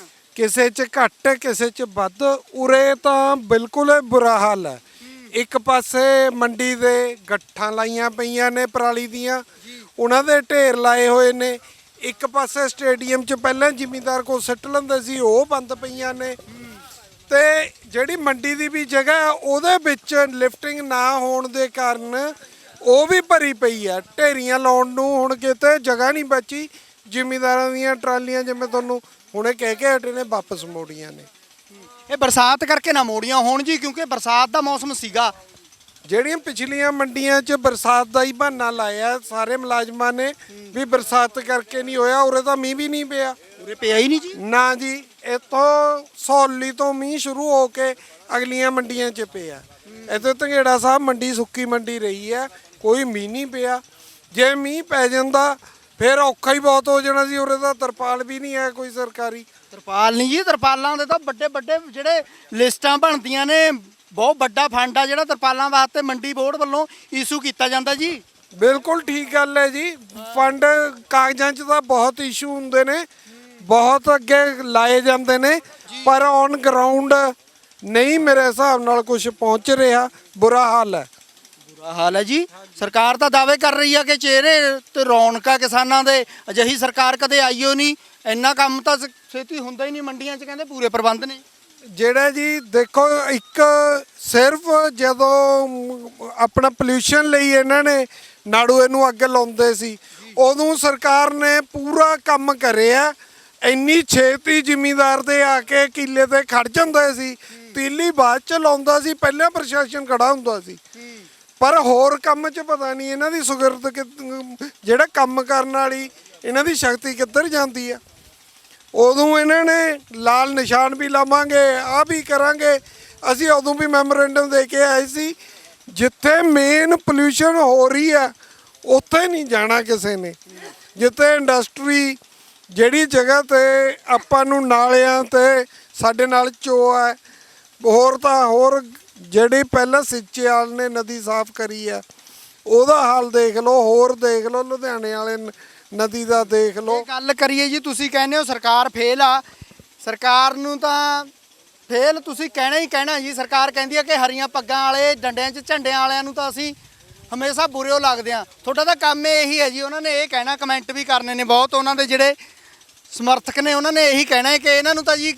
Speaker 3: ਕਿਸੇ 'ਚ ਘੱਟ ਕਿਸੇ 'ਚ ਵੱਧ। ਉਰੇ ਤਾਂ ਬਿਲਕੁਲ ਬੁਰਾ ਹਾਲ ਹੈ। ਇੱਕ ਪਾਸੇ ਮੰਡੀ ਦੇ ਗੱਠਾਂ ਲਾਈਆਂ ਪਈਆਂ ਨੇ ਪਰਾਲੀ ਦੀਆਂ, ਉਹਨਾਂ ਦੇ ਢੇਰ ਲਾਏ ਹੋਏ ਨੇ। ਇੱਕ ਪਾਸੇ ਸਟੇਡੀਅਮ 'ਚ ਪਹਿਲਾਂ ਜ਼ਿਮੀਂਦਾਰ ਕੋਲ ਸਿੱਟ ਲੈਂਦੇ ਸੀ, ਉਹ ਬੰਦ ਪਈਆਂ ਨੇ। ਤੇ ਜਿਹੜੀ ਮੰਡੀ ਦੀ ਵੀ ਜਗ੍ਹਾ ਹੈ, ਉਹਦੇ ਵਿੱਚ ਲਿਫਟਿੰਗ ਨਾ ਹੋਣ ਦੇ ਕਾਰਨ ਉਹ ਵੀ ਭਰੀ ਪਈ ਹੈ। ਢੇਰੀਆਂ ਲਾਉਣ ਨੂੰ ਹੁਣ ਕਿਤੇ ਜਗ੍ਹਾ ਨਹੀਂ ਬਚੀ। ਜ਼ਿਮੀਂਦਾਰਾਂ ਦੀਆਂ ਟਰਾਲੀਆਂ ਜਿਵੇਂ ਤੁਹਾਨੂੰ ਹੁਣੇ ਕਹਿ ਕੇ ਹਟੇ ਨੇ ਵਾਪਸ ਮੋੜੀਆਂ ਨੇ।
Speaker 2: ਇਹ ਬਰਸਾਤ ਕਰਕੇ ਨਾ ਮੋੜੀਆਂ ਹੋਣ ਜੀ, ਕਿਉਂਕਿ ਬਰਸਾਤ ਦਾ ਮੌਸਮ ਸੀਗਾ।
Speaker 3: ਜਿਹੜੀਆਂ ਪਿਛਲੀਆਂ ਮੰਡੀਆਂ 'ਚ ਬਰਸਾਤ ਦਾ ਹੀ ਬਹਾਨਾ ਲਾਇਆ ਸਾਰੇ ਮੁਲਾਜ਼ਮਾਂ ਨੇ ਵੀ ਬਰਸਾਤ ਕਰਕੇ ਨਹੀਂ ਹੋਇਆ। ਉਰੇ ਤਾਂ ਮੀਂਹ ਵੀ ਨਹੀਂ ਪਿਆ।
Speaker 2: ਉਰੇ ਪਿਆ ਹੀ ਨਹੀਂ ਜੀ?
Speaker 3: ਨਾ ਜੀ, ਇੱਥੋਂ ਸੌਲੀ ਤੋਂ ਮੀਂਹ ਸ਼ੁਰੂ ਹੋ ਕੇ ਅਗਲੀਆਂ ਮੰਡੀਆਂ 'ਚ ਪਿਆ। ਇੱਥੇ ਧੰਗੇੜਾ ਸਾਹਿਬ ਮੰਡੀ ਸੁੱਕੀ ਮੰਡੀ ਰਹੀ ਹੈ, ਕੋਈ ਮੀਂਹ ਨਹੀਂ ਪਿਆ। ਜੇ ਮੀਂਹ ਪੈ ਜਾਂਦਾ ਫਿਰ ਔਖਾ ਹੀ ਬਹੁਤ ਹੋ ਜਾਣਾ ਸੀ। ਉਰੇ ਤਾਂ ਤਰਪਾਲ ਵੀ ਨਹੀਂ ਹੈ ਕੋਈ ਸਰਕਾਰੀ।
Speaker 2: ਤਰਪਾਲ ਨਹੀਂ ਜੀ, ਤਰਪਾਲਾਂ ਦੇ ਤਾਂ ਵੱਡੇ ਵੱਡੇ ਜਿਹੜੇ ਲਿਸਟਾਂ ਬਣਦੀਆਂ ਨੇ, ਬਹੁਤ ਵੱਡਾ ਫੰਡ ਆ ਜਿਹੜਾ ਤਰਪਾਲਾਂ ਵਾਸਤੇ ਮੰਡੀ ਬੋਰਡ ਵੱਲੋਂ ਇਸ਼ੂ ਕੀਤਾ ਜਾਂਦਾ ਜੀ।
Speaker 3: ਬਿਲਕੁਲ ਠੀਕ ਗੱਲ ਹੈ ਜੀ। ਫੰਡ ਕਾਗਜ਼ਾਂ 'ਚ ਤਾਂ ਬਹੁਤ ਇਸ਼ੂ ਹੁੰਦੇ ਨੇ, ਬਹੁਤ ਅੱਗੇ ਲਾਏ ਜਾਂਦੇ ਨੇ, ਪਰ ਔਨ ਗਰਾਊਂਡ ਨਹੀਂ ਮੇਰੇ ਹਿਸਾਬ ਨਾਲ ਕੁਝ ਪਹੁੰਚ ਰਿਹਾ। ਬੁਰਾ ਹਾਲ ਹੈ।
Speaker 2: ਬੁਰਾ ਹਾਲ ਹੈ ਜੀ। ਸਰਕਾਰ ਤਾਂ ਦਾਅਵੇ ਕਰ ਰਹੀ ਆ ਕਿ ਚਿਹਰੇ ਤੇ ਰੌਣਕਾਂ ਕਿਸਾਨਾਂ ਦੇ। ਅਜਿਹੀ ਸਰਕਾਰ ਕਦੇ ਆਈਓ ਨਹੀਂ। ਇੰਨਾ ਕੰਮ ਤਾਂ ਛੇਤੀ ਹੁੰਦਾ ਹੀ ਨਹੀਂ ਮੰਡੀਆਂ 'ਚ, ਕਹਿੰਦੇ ਪੂਰੇ ਪ੍ਰਬੰਧ ਨੇ।
Speaker 3: ਜਿਹੜਾ ਜੀ ਦੇਖੋ, ਇੱਕ ਸਿਰਫ ਜਦੋਂ ਆਪਣਾ ਪੋਲਿਊਸ਼ਨ ਲਈ ਇਹਨਾਂ ਨੇ ਨਾੜੂਏ ਨੂੰ ਅੱਗ ਲਾਉਂਦੇ ਸੀ, ਉਦੋਂ ਸਰਕਾਰ ਨੇ ਪੂਰਾ ਕੰਮ ਕਰਿਆ। ਇੰਨੀ ਛੇਤੀ ਜ਼ਿਮੀਂਦਾਰ ਦੇ ਆ ਕੇ ਕਿੱਲੇ ਤੇ ਖੜ ਜਾਂਦੇ ਸੀ, ਤੀਲੀ ਬਾਅਦ ਚ ਲਾਉਂਦਾ ਸੀ, ਪਹਿਲਾਂ ਪ੍ਰਸ਼ਾਸਨ ਖੜਾ ਹੁੰਦਾ ਸੀ। ਪਰ ਹੋਰ ਕੰਮ 'ਚ ਪਤਾ ਨਹੀਂ ਇਹਨਾਂ ਦੀ ਸੁਗਰਤ ਜਿਹੜਾ ਕੰਮ ਕਰਨ ਵਾਲੀ ਇਹਨਾਂ ਦੀ ਸ਼ਕਤੀ ਕਿੱਧਰ ਜਾਂਦੀ ਆ। ਉਦੋਂ ਇਹਨਾਂ ਨੇ ਲਾਲ ਨਿਸ਼ਾਨ ਵੀ ਲਾਵਾਂਗੇ, ਆਹ ਵੀ ਕਰਾਂਗੇ। ਅਸੀਂ ਉਦੋਂ ਵੀ ਮੈਮੋਰੈਂਡਮ ਦੇ ਕੇ ਆਏ ਸੀ, ਜਿੱਥੇ ਮੇਨ ਪੋਲਿਊਸ਼ਨ ਹੋ ਰਹੀ ਆ ਉੱਥੇ ਨਹੀਂ ਜਾਣਾ ਕਿਸੇ ਨੇ। ਜਿੱਥੇ ਇੰਡਸਟਰੀ, ਜਿਹੜੀ ਜਗ੍ਹਾ ਤੇ ਆਪਾਂ ਨੂੰ ਨਾਲਿਆਂ ਤੇ ਸਾਡੇ ਨਾਲ ਚੋ ਹੈ, ਹੋਰ ਤਾਂ ਹੋਰ ਜਿਹੜੀ ਪਹਿਲਾਂ ਸਿੰਚੇਵਾਲ ਨੇ ਨਦੀ ਸਾਫ਼ ਕਰੀ ਆ ਉਹਦਾ ਹਾਲ ਦੇਖ ਲਓ, ਹੋਰ ਦੇਖ ਲਓ ਲੁਧਿਆਣੇ ਵਾਲੇ ਨਦੀ ਦਾ ਦੇਖ ਲਓ।
Speaker 2: ਗੱਲ ਕਰੀਏ ਜੀ, ਤੁਸੀਂ ਕਹਿੰਦੇ ਹੋ ਸਰਕਾਰ ਫੇਲ ਆ। ਸਰਕਾਰ ਨੂੰ ਤਾਂ ਫੇਲ ਤੁਸੀਂ ਕਹਿਣਾ ਹੀ ਕਹਿਣਾ ਜੀ। ਸਰਕਾਰ ਕਹਿੰਦੀ ਹੈ ਕਿ ਹਰੀਆਂ ਪੱਗਾਂ ਵਾਲੇ ਡੰਡਿਆਂ 'ਚ ਝੰਡਿਆਂ ਵਾਲਿਆਂ ਨੂੰ ਤਾਂ ਅਸੀਂ ਹਮੇਸ਼ਾ ਬੁਰਿਓ ਲੱਗਦੇ ਆ। ਤੁਹਾਡਾ ਤਾਂ ਕੰਮ ਇਹੀ ਹੈ ਜੀ। ਉਹਨਾਂ ਨੇ ਇਹ ਕਹਿਣਾ, ਕਮੈਂਟ ਵੀ ਕਰਨੇ ਨੇ ਬਹੁਤ, ਉਹਨਾਂ ਦੇ ਜਿਹੜੇ ਸਮਰਥਕ ਨੇ ਉਹਨਾਂ ਨੇ ਇਹੀ ਕਹਿਣਾ ਹੈ ਕਿ ਇਹਨਾਂ ਨੂੰ ਤਾਂ ਜੀ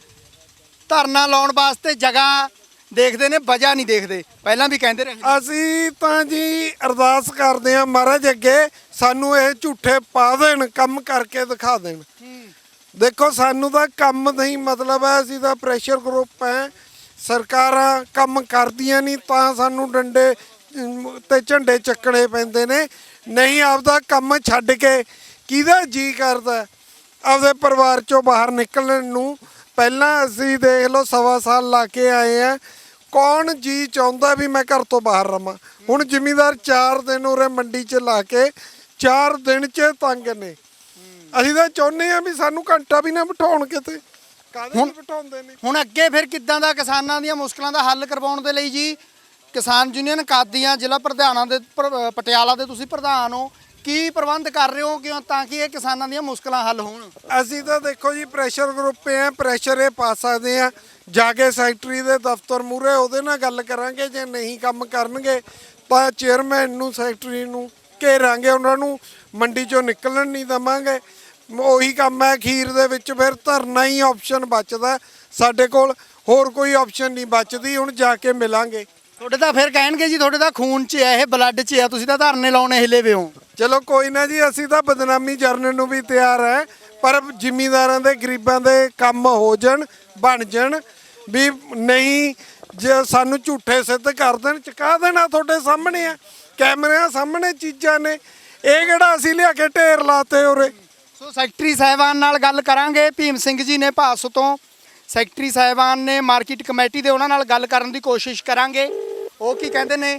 Speaker 2: ਧਰਨਾ ਲਾਉਣ ਵਾਸਤੇ ਜਗ੍ਹਾ ਦੇਖਦੇ ਨੇ, ਵਜ੍ਹਾ ਨਹੀਂ ਦੇਖਦੇ। ਪਹਿਲਾਂ ਵੀ ਕਹਿੰਦੇ ਰਹੇ।
Speaker 3: ਅਸੀਂ ਤਾਂ ਜੀ ਅਰਦਾਸ ਕਰਦੇ ਹਾਂ ਮਹਾਰਾਜ ਅੱਗੇ, ਸਾਨੂੰ ਇਹ ਝੂਠੇ ਪਾ ਦੇਣ, ਕੰਮ ਕਰਕੇ ਦਿਖਾ ਦੇਣ। ਦੇਖੋ ਸਾਨੂੰ ਤਾਂ ਕੰਮ ਨਹੀਂ ਮਤਲਬ ਹੈ, ਅਸੀਂ ਤਾਂ ਪ੍ਰੈਸ਼ਰ ਗਰੁੱਪ ਹੈ। ਸਰਕਾਰਾਂ ਕੰਮ ਕਰਦੀਆਂ ਨਹੀਂ ਤਾਂ ਸਾਨੂੰ ਡੰਡੇ ਤੇ ਝੰਡੇ ਚੱਕਣੇ ਪੈਂਦੇ ਨੇ। ਨਹੀਂ ਆਪਦਾ ਕੰਮ ਛੱਡ ਕੇ ਕਿਹਦਾ ਜੀ ਕਰਦਾ ਆਪਦੇ ਪਰਿਵਾਰ ਚੋਂ ਬਾਹਰ ਨਿਕਲਣ ਨੂੰ। ਪਹਿਲਾਂ ਅਸੀਂ ਦੇਖ ਲਓ 1.25 ਸਾਲ ਲਾ ਕੇ ਆਏ ਆ, ਕੌਣ ਜੀ ਚਾਹੁੰਦਾ ਵੀ ਮੈਂ ਘਰ ਤੋਂ ਬਾਹਰ ਰਵਾਂ। ਹੁਣ ਜ਼ਿਮੀਂਦਾਰ 4 ਦਿਨ ਉਰੇ ਮੰਡੀ 'ਚ ਲਾ ਕੇ 4 ਦਿਨ 'ਚ ਤੰਗ ਨੇ। ਅਸੀਂ ਤਾਂ ਚਾਹੁੰਦੇ ਆ ਵੀ ਸਾਨੂੰ ਘੰਟਾ ਵੀ ਨਾ ਬਿਠਾਉਣ ਕਿਤੇ, ਕਾਹਦੇ ਲਈ ਬਿਠਾਉਂਦੇ ਨੇ।
Speaker 2: ਹੁਣ ਅੱਗੇ ਫਿਰ ਕਿੱਦਾਂ ਦਾ ਕਿਸਾਨਾਂ ਦੀਆਂ ਮੁਸ਼ਕਲਾਂ ਦਾ ਹੱਲ ਕਰਵਾਉਣ ਦੇ ਲਈ ਜੀ ਕਿਸਾਨ ਯੂਨੀਅਨ ਕਾਦੀਆਂ ਜ਼ਿਲ੍ਹਾ ਪ੍ਰਧਾਨਾਂ ਦੇ ਪਟਿਆਲਾ ਦੇ ਤੁਸੀਂ ਪ੍ਰਧਾਨ ਹੋ, ਕੀ ਪ੍ਰਬੰਧ ਕਰ ਰਹੇ ਹੋ ਕਿਉਂ ਤਾਂ ਕਿ ਇਹ ਕਿਸਾਨਾਂ ਦੀਆਂ ਮੁਸ਼ਕਲਾਂ ਹੱਲ ਹੋਣ?
Speaker 3: ਅਸੀਂ ਤਾਂ ਦੇਖੋ ਜੀ ਪ੍ਰੈਸ਼ਰ ਗਰੁੱਪ ਆ, ਪ੍ਰੈਸ਼ਰ ਇਹ ਪਾ ਸਕਦੇ ਆ ਜਾ ਕੇ ਸੈਕਟਰੀ ਦੇ ਦਫ਼ਤਰ ਮੂਹਰੇ, ਉਹਦੇ ਨਾਲ ਗੱਲ ਕਰਾਂਗੇ। ਜੇ ਨਹੀਂ ਕੰਮ ਕਰਨਗੇ ਤਾਂ ਚੇਅਰਮੈਨ ਨੂੰ, ਸੈਕਟਰੀ ਨੂੰ ਘੇਰਾਂਗੇ, ਉਹਨਾਂ ਨੂੰ ਮੰਡੀ ਚੋਂ ਨਿਕਲਣ ਨਹੀਂ ਦੇਵਾਂਗੇ। ਉਹੀ ਕੰਮ ਹੈ ਅਖੀਰ ਦੇ ਵਿੱਚ, ਫਿਰ ਧਰਨਾ ਹੀ ਆਪਸ਼ਨ ਬਚਦਾ ਸਾਡੇ ਕੋਲ, ਹੋਰ ਕੋਈ ਆਪਸ਼ਨ ਨਹੀਂ ਬਚਦੀ। ਹੁਣ ਜਾ ਕੇ ਮਿਲਾਂਗੇ।
Speaker 2: ਤੁਹਾਡੇ ਤਾਂ ਫਿਰ ਕਹਿਣਗੇ ਜੀ ਤੁਹਾਡੇ ਤਾਂ ਖੂਨ 'ਚ ਹੈ, ਇਹ ਬਲੱਡ 'ਚ ਹੈ, ਤੁਸੀਂ ਤਾਂ ਧਰਨੇ ਲਾਉਣੇ ਹਿੱਲੇ ਵੇ ਹੋ।
Speaker 3: ਚਲੋ ਕੋਈ ਨਾ ਜੀ, ਅਸੀਂ ਤਾਂ ਬਦਨਾਮੀ ਜਰਨ ਨੂੰ ਵੀ ਤਿਆਰ ਹੈ, ਪਰ ਜ਼ਿਮੀਂਦਾਰਾਂ ਦੇ ਗਰੀਬਾਂ ਦੇ ਕੰਮ ਹੋ ਜਾਣ, ਬਣ ਜਾਣ। ਵੀ ਨਹੀਂ ਜੇ ਸਾਨੂੰ ਝੂਠੇ ਸਿੱਧ ਕਰ ਦੇਣ, ਚੁਕਾ ਦੇਣਾ ਤੁਹਾਡੇ ਸਾਹਮਣੇ ਆ, ਕੈਮਰਿਆਂ ਸਾਹਮਣੇ ਚੀਜ਼ਾਂ ਨੇ। ਇਹ ਕਿਹੜਾ ਅਸੀਂ ਲਿਆ ਕੇ ਢੇਰ ਲਾਤੇ ਉਰੇ।
Speaker 2: ਸੋ ਸੈਕਟਰੀ ਸਾਹਿਬਾਨ ਨਾਲ ਗੱਲ ਕਰਾਂਗੇ। ਭੀਮ ਸਿੰਘ ਜੀ ਨੇ ਭਾਸੋ ਤੋਂ, ਸੈਕਟਰੀ ਸਾਹਿਬਾਨ ਨੇ ਮਾਰਕੀਟ ਕਮੇਟੀ ਦੇ, ਉਹਨਾਂ ਨਾਲ ਗੱਲ ਕਰਨ ਦੀ ਕੋਸ਼ਿਸ਼ ਕਰਾਂਗੇ। ਉਹ ਕੀ ਕਹਿੰਦੇ ਨੇ?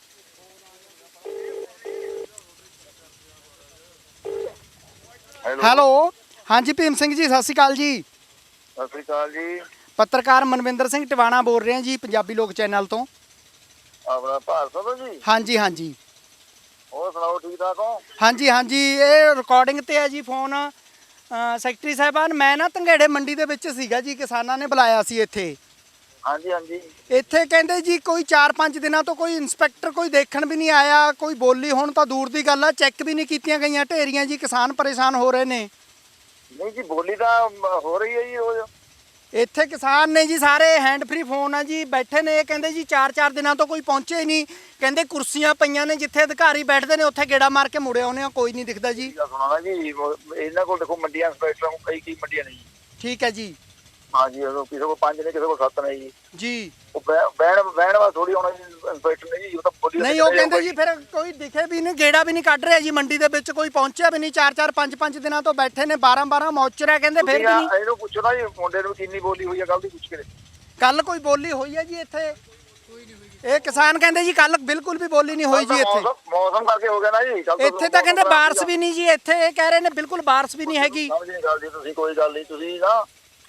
Speaker 2: ਹੈਲੋ, ਹਾਂਜੀ ਭੀਮ ਸਿੰਘ ਜੀ, ਸਤਿ ਸ਼੍ਰੀ ਅਕਾਲ ਜੀ।
Speaker 5: ਸਤਿ ਸ੍ਰੀ ਅਕਾਲ ਜੀ।
Speaker 2: ਪੱਤਰਕਾਰ ਮਨਵਿੰਦਰ ਸਿੰਘ ਟਿਵਾਣਾ ਬੋਲ ਰਹੇ ਹਾਂ ਜੀ, ਪੰਜਾਬੀ ਲੋਕ ਚੈਨਲ ਤੋਂ।
Speaker 5: ਆਪਣਾ ਭਾਰਤ ਤੋਂ ਜੀ?
Speaker 2: ਹਾਂਜੀ ਹਾਂਜੀ।
Speaker 5: ਹੋਰ ਸੁਣਾਓ, ਠੀਕ ਠਾਕ ਹੋ?
Speaker 2: ਹਾਂਜੀ ਹਾਂਜੀ, ਇਹ ਰਿਕਾਰਡਿੰਗ ਤੇ ਹੈ ਜੀ ਫੋਨ। ਸੈਕਟਰੀ ਸਾਹਿਬਾਨ, ਮੈਂ ਨਾ ਧੰਗੇੜੇ ਮੰਡੀ ਦੇ ਵਿੱਚ ਸੀਗਾ ਜੀ, ਕਿਸਾਨਾਂ ਨੇ ਬੁਲਾਇਆ ਸੀ ਇੱਥੇ।
Speaker 5: ਹਾਂਜੀ ਹਾਂਜੀ।
Speaker 2: ਇੱਥੇ ਕਹਿੰਦੇ ਜੀ ਕੋਈ 4-5 ਦਿਨਾਂ ਤੋਂ ਕੋਈ ਇੰਸਪੈਕਟਰ ਕੋਈ ਦੇਖਣ ਵੀ ਨਹੀਂ ਆਇਆ, ਕੋਈ ਬੋਲੀ ਹੁਣ ਤਾਂ ਦੂਰ ਦੀ ਗੱਲ ਆ, ਚੈੱਕ ਵੀ ਨਹੀਂ ਕੀਤੀਆਂ ਗਈਆਂ ਢੇਰੀਆਂ ਜੀ। ਕਿਸਾਨ ਪਰੇਸ਼ਾਨ ਹੋ ਰਹੇ ਨੇ।
Speaker 5: ਨਹੀਂ ਜੀ, ਬੋਲੀ ਤਾਂ ਹੋ ਰਹੀ ਹੈ ਜੀ। ਉਹ
Speaker 2: ਇੱਥੇ ਕਿਸਾਨ ਨੇ ਜੀ ਸਾਰੇ, ਹੈਂਡ ਫ੍ਰੀ ਫੋਨ ਆ ਜੀ, ਬੈਠੇ ਨੇ। ਇਹ ਕਹਿੰਦੇ ਜੀ 4-4 ਦਿਨਾਂ ਤੋਂ ਕੋਈ ਪਹੁੰਚੇ ਹੀ ਨਹੀਂ। ਕਹਿੰਦੇ ਕੁਰਸੀਆਂ ਪਈਆਂ ਨੇ ਜਿੱਥੇ ਅਧਿਕਾਰੀ ਬੈਠਦੇ ਨੇ, ਉੱਥੇ ਗੇੜਾ ਮਾਰ ਕੇ ਮੁੜੇ ਆਉਂਦੇ ਆ, ਕੋਈ ਨਹੀਂ ਦਿਖਦਾ ਜੀ।
Speaker 5: ਸੁਣਾ ਨਾ ਜੀ, ਇਹਨਾਂ ਕੋਲ ਦੇਖੋ ਮੰਡੀਆਂ ਇੰਸਪੈਕਟਰਾਂ ਨੂੰ ਕਈ ਮੰਡੀਆਂ ਨੇ ਜੀ।
Speaker 2: ਠੀਕ ਹੈ ਜੀ।
Speaker 5: ਹਾਂਜੀ, ਕਿਸੇ ਕੋਲ 5 ਨੇ, ਕਿਸੇ ਕੋਲ 7 ਨੇ ਜੀ।
Speaker 2: ਜੀ
Speaker 5: ਉਹ ਬਹਿਣ ਵਾਲਾ ਥੋੜੀ ਆਉਣਾ ਜੀ ਇੰਸਪੈਕਟਰ ਨੇ ਜੀ। ਉਹ ਤਾਂ ਬੋਲੀ
Speaker 2: ਨਹੀਂ, ਉਹ ਕਹਿੰਦੇ ਜੀ ਫਿਰ ਕੋਈ ਦਿਖੇ ਵੀ ਨਹੀਂ, ਗੇੜਾ ਵੀ ਨਹੀਂ ਕੱਢ ਰਿਹਾ ਜੀ ਮੰਡੀ ਦੇ ਵਿੱਚ, ਕੋਈ ਪਹੁੰਚਿਆ ਵੀ ਨਹੀਂ। 4-4 5-5 ਦਿਨਾਂ ਤੋਂ ਬੈਠੇ ਨੇ, 12-12 ਮੌਚਰ ਹੈ ਕਹਿੰਦੇ। ਫਿਰ ਵੀ ਨਹੀਂ।
Speaker 5: ਇਹਨੂੰ ਪੁੱਛੋ ਨਾ ਜੀ, ਮੁੰਡੇ ਨੂੰ ਕਿੰਨੀ ਬੋਲੀ ਹੋਈ ਹੈ, ਕੱਲ ਦੀ ਪੁੱਛ ਕੇ।
Speaker 2: ਕੱਲ ਕੋਈ ਬੋਲੀ ਹੋਈ ਹੈ ਜੀ ਇੱਥੇ? ਇਹ ਕਿਸਾਨ ਕਹਿੰਦੇ ਜੀ ਕੱਲ ਬਿਲਕੁਲ ਵੀ ਬੋਲੀ ਨਹੀਂ ਹੋਈ ਜੀ ਇੱਥੇ।
Speaker 5: ਮੌਸਮ ਕਰਕੇ ਹੋ ਗਿਆ ਨਾ ਜੀ।
Speaker 2: ਇੱਥੇ ਤਾਂ ਕਹਿੰਦੇ ਬਾਰਿਸ਼ ਵੀ ਨਹੀਂ ਜੀ। ਇੱਥੇ ਇਹ ਕਹਿ ਰਹੇ ਨੇ ਬਿਲਕੁਲ ਬਾਰਿਸ਼ ਵੀ ਨਹੀਂ ਹੈਗੀ।
Speaker 5: ਸਮਝ ਨਹੀਂ ਗੱਲ ਜੀ ਤੁਸੀਂ, ਕੋਈ ਗੱਲ ਨਹੀਂ। ਤੁਸੀਂ ਨਾ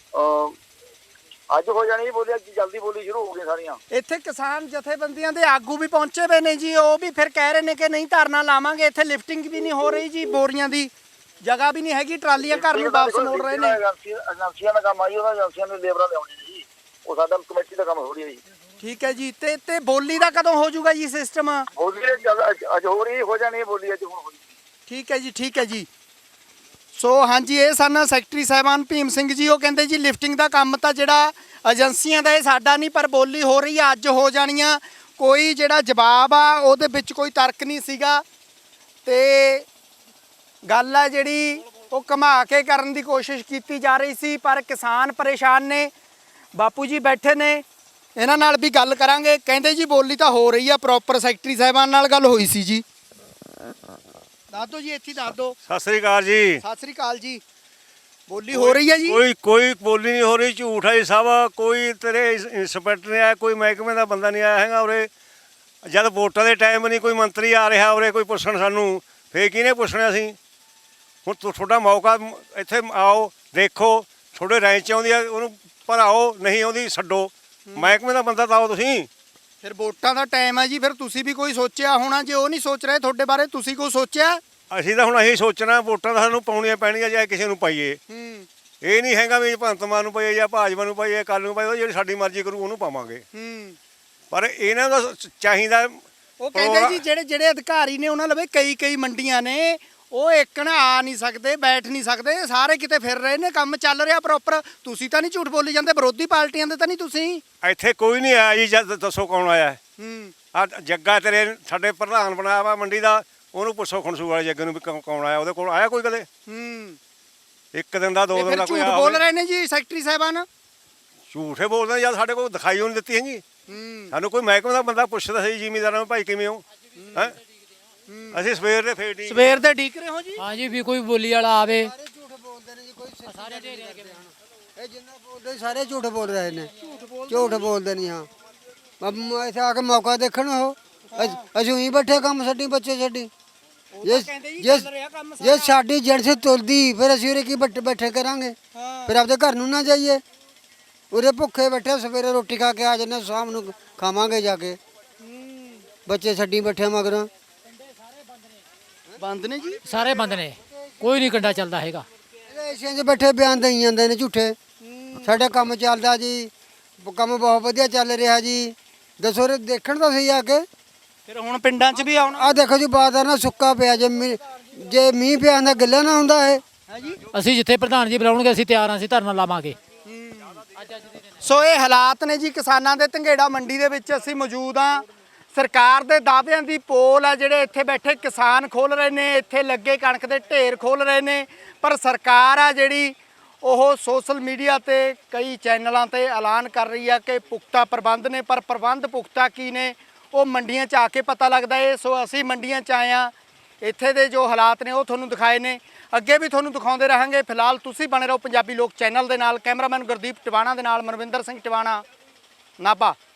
Speaker 5: ਅੱਜ ਹੋ ਜਾਣੀ ਬੋਲੀ, ਅੱਜ ਜਲਦੀ ਬੋਲੀ ਸ਼ੁਰੂ ਹੋ ਗਈ ਸਾਰੀਆਂ।
Speaker 2: ਇੱਥੇ ਕਿਸਾਨ ਜਥੇਬੰਦੀਆਂ ਦੇ ਆਗੂ ਵੀ ਪਹੁੰਚੇ ਹੋਏ ਨੇ ਜੀ, ਉਹ ਵੀ ਫਿਰ ਕਹਿ ਰਹੇ ਨੇ ਕਿ ਨਹੀਂ ਧਰਨਾ ਲਾਵਾਂਗੇ। ਇੱਥੇ ਲਿਫਟਿੰਗ ਵੀ ਨਹੀਂ ਹੋ ਰਹੀ ਜੀ, ਬੋਰੀਆਂ ਦੀ ਜਗ੍ਹਾ ਵੀ ਨਹੀਂ ਹੈਗੀ, ਟਰਾਲੀਆਂ ਘਰ ਨੂੰ ਵਾਪਸ ਮੋੜ ਰਹੇ ਨੇ।
Speaker 5: ਏਜੰਸੀਆਂ ਦਾ ਕੰਮ ਆ ਜੀ, ਉਹਨਾਂ ਏਜੰਸੀਆਂ ਨੂੰ ਲੇਬਰਾਂ ਲਿਆਉਣੀ ਜੀ, ਉਹ ਸਾਡਾ ਕਮੇਟੀ ਦਾ ਕੰਮ ਹੋ ਰਹੀ ਹੈ ਜੀ।
Speaker 2: ਠੀਕ ਹੈ ਜੀ। ਤੇ ਬੋਲੀ ਦਾ ਕਦੋਂ ਹੋ ਜਾਊਗਾ ਜੀ ਸਿਸਟਮ?
Speaker 5: ਬੋਲੀ ਅੱਜ ਹੋ ਰਹੀ, ਹੋ ਜਾਣੀ ਹੈ ਬੋਲੀ, ਅੱਜ ਹੁਣ ਹੋਈ।
Speaker 2: ਠੀਕ ਹੈ ਜੀ, ਠੀਕ ਹੈ ਜੀ। ਸੋ ਹਾਂਜੀ, ਇਹ ਸਨ ਸੈਕਟਰੀ ਸਾਹਿਬਾਨ ਭੀਮ ਸਿੰਘ ਜੀ। ਉਹ ਕਹਿੰਦੇ ਜੀ ਲਿਫਟਿੰਗ ਦਾ ਕੰਮ ਤਾਂ ਜਿਹੜਾ ਏਜੰਸੀਆਂ ਦਾ, ਇਹ ਸਾਡਾ ਨਹੀਂ, ਪਰ ਬੋਲੀ ਹੋ ਰਹੀ ਆ, ਅੱਜ ਹੋ ਜਾਣੀਆਂ। ਕੋਈ ਜਿਹੜਾ ਜਵਾਬ ਆ ਉਹਦੇ ਵਿੱਚ ਕੋਈ ਤਰਕ ਨਹੀਂ ਸੀਗਾ, ਤੇ ਗੱਲ ਆ ਜਿਹੜੀ ਉਹ ਘੁਮਾ ਕੇ ਕਰਨ ਦੀ ਕੋਸ਼ਿਸ਼ ਕੀਤੀ ਜਾ ਰਹੀ ਸੀ। ਪਰ ਕਿਸਾਨ ਪਰੇਸ਼ਾਨ ਨੇ। ਬਾਪੂ ਜੀ ਬੈਠੇ ਨੇ, ਇਹਨਾਂ ਨਾਲ ਵੀ ਗੱਲ ਕਰਾਂਗੇ। ਕਹਿੰਦੇ ਜੀ ਬੋਲੀ ਤਾਂ ਹੋ ਰਹੀ ਆ ਪ੍ਰੋਪਰ। ਸੈਕਟਰੀ ਸਾਹਿਬਾਨ ਨਾਲ ਗੱਲ ਹੋਈ ਸੀ ਜੀ। ਦੱਸ ਦਿਓ ਜੀ, ਇੱਥੇ ਦੱਸ ਦਿਓ।
Speaker 8: ਸਤਿ ਸ੍ਰੀ ਅਕਾਲ ਜੀ।
Speaker 2: ਸਤਿ ਸ੍ਰੀ ਅਕਾਲ ਜੀ। ਬੋਲੀ ਹੋ ਰਹੀ ਹੈ ਜੀ?
Speaker 8: ਕੋਈ ਬੋਲੀ ਨਹੀਂ ਹੋ ਰਹੀ, ਝੂਠ ਹੈ ਜੀ ਸਭ। ਕੋਈ ਤੇਰੇ ਇੰਸਪੈਕਟਰ ਨਹੀਂ ਆਇਆ, ਕੋਈ ਮਹਿਕਮੇ ਦਾ ਬੰਦਾ ਨਹੀਂ ਆਇਆ ਹੈਗਾ ਉਰੇ। ਜਦ ਵੋਟਾਂ ਦੇ ਟਾਈਮ ਨਹੀਂ ਕੋਈ ਮੰਤਰੀ ਆ ਰਿਹਾ ਉਰੇ ਕੋਈ ਪੁੱਛਣ ਸਾਨੂੰ, ਫੇਰ ਕਿਹਨੇ ਪੁੱਛਣਾ ਅਸੀਂ? ਹੁਣ ਤੁਹਾਡਾ ਮੌਕਾ, ਇੱਥੇ ਆਓ, ਦੇਖੋ। ਤੁਹਾਡੇ ਰਾਏ 'ਚ ਆਉਂਦੀ ਆ ਉਹਨੂੰ ਭਰਾਓ, ਨਹੀਂ ਆਉਂਦੀ ਛੱਡੋ। ਮਹਿਕਮੇ ਦਾ ਬੰਦਾ ਤਾਂ ਆਓ ਤੁਸੀਂ।
Speaker 2: ਫਿਰ ਵੋਟਾਂ ਦਾ ਟਾਈਮ ਹੈ ਜੀ, ਫਿਰ ਤੁਸੀਂ ਵੀ ਕੋਈ ਸੋਚਿਆ ਹੋਣਾ। ਜੇ ਉਹ ਨਹੀਂ ਸੋਚ ਰਹੇ ਤੁਹਾਡੇ ਬਾਰੇ, ਤੁਸੀਂ ਕੋਈ ਸੋਚਿਆ?
Speaker 8: ਅਸੀਂ ਤਾਂ ਹੁਣ ਇਹੀ ਸੋਚਣਾ, ਵੋਟਾਂ ਤਾਂ ਸਾਨੂੰ ਪਾਉਣੀਆਂ ਪੈਣੀਆਂ, ਚਾਹੇ ਕਿਸੇ ਨੂੰ ਪਾਈਏ। ਇਹ ਨਹੀਂ ਹੈਗਾ ਵੀ ਭਗਵੰਤ ਮਾਨ ਨੂੰ ਪਈਏ ਜਾਂ ਭਾਜਪਾ ਨੂੰ ਪਈਏ ਕੱਲ ਨੂੰ ਪਈਏ, ਜਿਹੜੀ ਸਾਡੀ ਮਰਜ਼ੀ ਕਰੂ ਉਹਨੂੰ ਪਾਵਾਂਗੇ। ਪਰ ਇਹਨਾਂ ਦਾ ਚਾਹੀਦਾ
Speaker 2: ਉਹ ਕਹਿੰਦੇ ਜੀ ਜਿਹੜੇ ਅਧਿਕਾਰੀ ਨੇ ਉਹਨਾਂ ਲਵੇ ਕਈ ਮੰਡੀਆਂ ਨੇ, ਉਹ ਇੱਕ ਨਾ ਆ ਨਹੀਂ ਸਕਦੇ, ਬੈਠ ਨਹੀਂ ਸਕਦੇ, ਸਾਰੇ ਕਿਤੇ ਫਿਰ ਰਹੇ ਨੇ, ਕੰਮ ਚੱਲ ਰਿਹਾ ਪ੍ਰੋਪਰ। ਤੁਸੀਂ ਤਾਂ ਨਹੀਂ ਝੂਠ ਬੋਲੀ ਜਾਂਦੇ, ਵਿਰੋਧੀ ਪਾਰਟੀਆਂ ਦੇ ਤਾਂ ਨਹੀਂ ਤੁਸੀਂ?
Speaker 8: ਇੱਥੇ ਕੋਈ ਨਹੀਂ ਆਇਆ ਜੀ, ਜਦ ਦੱਸੋ ਕੌਣ ਆਇਆ? ਆ ਜੱਗਾ ਤੇਰੇ ਸਾਡੇ ਪ੍ਰਧਾਨ ਬਣਾਇਆ ਵਾ ਮੰਡੀ ਦਾ, ਉਹਨੂੰ ਪੁੱਛੋ ਖਣਸੂ ਵਾਲੇ ਜੱਗੇ ਨੂੰ ਵੀ ਕੌਣ ਆਇਆ, ਉਹਦੇ ਕੋਲ ਆਇਆ ਕੋਈ ਕਦੇ? ਇੱਕ ਦਿਨ ਦਾ, 2 ਦਿਨ ਦਾ ਕੋਈ
Speaker 2: ਝੂਠ ਬੋਲ ਰਹੇ ਨੇ ਜੀ ਸੈਕਟਰੀ ਸਾਹਿਬਾਨ।
Speaker 8: ਝੂਠੇ ਬੋਲਦੇ ਜਦ ਸਾਡੇ ਕੋਲ ਦਿਖਾਈ ਉਹ ਨਹੀਂ ਦਿੱਤੀ ਹੈਗੀ। ਸਾਨੂੰ ਕੋਈ ਮਹਿਕਮੇ ਦਾ ਬੰਦਾ ਪੁੱਛਦਾ ਸੀ ਜ਼ਿਮੀਂਦਾਰਾਂ ਨੂੰ, ਭਾਈ ਕਿਵੇਂ ਹੋ? ਹੈ ਅਸੀਂ ਸਵੇਰ ਦੇ ਫੇਰ
Speaker 2: ਸਵੇਰ ਦੇ ਡੀਕ ਰਹੇ ਹੋ ਜੀ?
Speaker 9: ਹਾਂ ਜੀ, ਵੀ ਕੋਈ ਬੋਲੀ ਵਾਲਾ ਆਵੇ।
Speaker 10: ਝੂਠ ਬੋਲਦੇ ਨੇ ਜੀ, ਕੋਈ ਸਾਰੇ ਢੇਰੇ ਇਹ ਜਿੰਨਾ ਬੋਲਦੇ ਸਾਰੇ ਝੂਠ ਬੋਲ ਰਹੇ ਨੇ, ਝੂਠ ਬੋਲਦੇ ਨਹੀਂ। ਹਾਂ ਇੱਥੇ ਆ ਕੇ ਮੌਕਾ ਦੇਖਣ ਉਹ ਅਸੀਂ ਹੀ ਬੈਠੇ, ਕੰਮ ਛੱਡੀ, ਬੱਚੇ ਛੱਡੀ। ਜੇ ਸਾਡੀ ਜੜ ਸੇ ਤੁਲਦੀ ਫਿਰ ਅਸੀਂ ਉਰੇ ਕੀ ਬੈਠੇ ਕਰਾਂਗੇ? ਫਿਰ ਆਪਦੇ ਘਰ ਨੂੰ ਨਾ ਜਾਈਏ? ਉਰੇ ਭੁੱਖੇ ਬੈਠੇ, ਸਵੇਰੇ ਰੋਟੀ ਖਾ ਕੇ ਆ ਜਾਂਦੇ, ਸ਼ਾਮ ਨੂੰ ਖਾਵਾਂਗੇ ਜਾ ਕੇ। ਬੱਚੇ ਛੱਡੀ ਬੈਠੇ ਮਗਰੋਂ।
Speaker 2: ਬੰਦ ਨੇ ਜੀ,
Speaker 9: ਸਾਰੇ ਬੰਦ ਨੇ, ਕੋਈ ਨਹੀਂ ਕੰਡਾ ਚੱਲਦਾ ਹੈਗਾ।
Speaker 10: ਏਸ਼ੀਆਂ 'ਚ ਬੈਠੇ ਬਿਆਨ ਦੇਈ ਜਾਂਦੇ ਨੇ ਝੂਠੇ। ਸਾਡਾ ਕੰਮ ਚੱਲਦਾ ਜੀ, ਕੰਮ ਬਹੁਤ ਵਧੀਆ ਚੱਲ ਰਿਹਾ ਜੀ। ਦੱਸੋ ਰੇ ਦੇਖਣ ਤਾਂ ਸਹੀ ਆ ਕੇ।
Speaker 2: ਫਿਰ ਹੁਣ ਪਿੰਡਾਂ 'ਚ ਵੀ ਆਉਣਾ।
Speaker 10: ਆ ਦੇਖੋ ਜੀ, ਬਾਜ਼ਾਰ ਨਾ ਸੁੱਕਾ ਪਿਆ, ਜੇ ਮੀਂਹ ਪਿਆ ਹੁੰਦਾ ਗਿੱਲਾ ਨਾ ਹੁੰਦਾ ਇਹ।
Speaker 9: ਅਸੀਂ ਜਿੱਥੇ ਪ੍ਰਧਾਨ ਜੀ ਬੁਲਾਉਣਗੇ ਅਸੀਂ ਤਿਆਰ ਹਾਂ, ਅਸੀਂ ਧਰਨਾ ਲਾਵਾਂਗੇ।
Speaker 2: ਸੋ ਇਹ ਹਾਲਾਤ ਨੇ ਜੀ ਕਿਸਾਨਾਂ ਦੇ ਧੰਗੇੜਾ ਮੰਡੀ ਦੇ ਵਿੱਚ ਅਸੀਂ ਮੌਜੂਦ ਹਾਂ। ਸਰਕਾਰ ਦੇ ਦਾਅਵਿਆਂ ਦੀ ਪੋਲ ਆ, ਜਿਹੜੇ ਇੱਥੇ ਬੈਠੇ ਕਿਸਾਨ ਖੋਲ ਰਹੇ ਨੇ, ਇੱਥੇ ਲੱਗੇ ਕਣਕ ਦੇ ਢੇਰ ਖੋਲ ਰਹੇ ਨੇ। ਪਰ ਸਰਕਾਰ ਆ ਜਿਹੜੀ, ਉਹ ਸੋਸ਼ਲ ਮੀਡੀਆ ਤੇ ਕਈ ਚੈਨਲਾਂ ਤੇ ਐਲਾਨ ਕਰ ਰਹੀ ਆ ਕਿ ਪੁਖਤਾ ਪ੍ਰਬੰਧ ਨੇ, ਪਰ ਪ੍ਰਬੰਧ ਪੁਖਤਾ ਕੀ ਨੇ ਉਹ ਮੰਡੀਆਂ 'ਚ ਆ ਕੇ ਪਤਾ ਲੱਗਦਾ ਏ। ਸੋ ਅਸੀਂ ਮੰਡੀਆਂ 'ਚ ਆਏ ਹਾਂ, ਇੱਥੇ ਦੇ ਜੋ ਹਾਲਾਤ ਨੇ ਉਹ ਤੁਹਾਨੂੰ ਦਿਖਾਏ ਨੇ, ਅੱਗੇ ਵੀ ਤੁਹਾਨੂੰ ਦਿਖਾਉਂਦੇ ਰਹਾਂਗੇ। ਫਿਲਹਾਲ ਤੁਸੀਂ ਬਣੇ ਰਹੋ ਪੰਜਾਬੀ ਲੋਕ ਚੈਨਲ ਦੇ ਨਾਲ। ਕੈਮਰਾਮੈਨ ਗੁਰਦੀਪ ਟਿਵਾਣਾ ਦੇ ਨਾਲ ਮਨਵਿੰਦਰ ਸਿੰਘ ਟਿਵਾਣਾ, ਨਾਭਾ।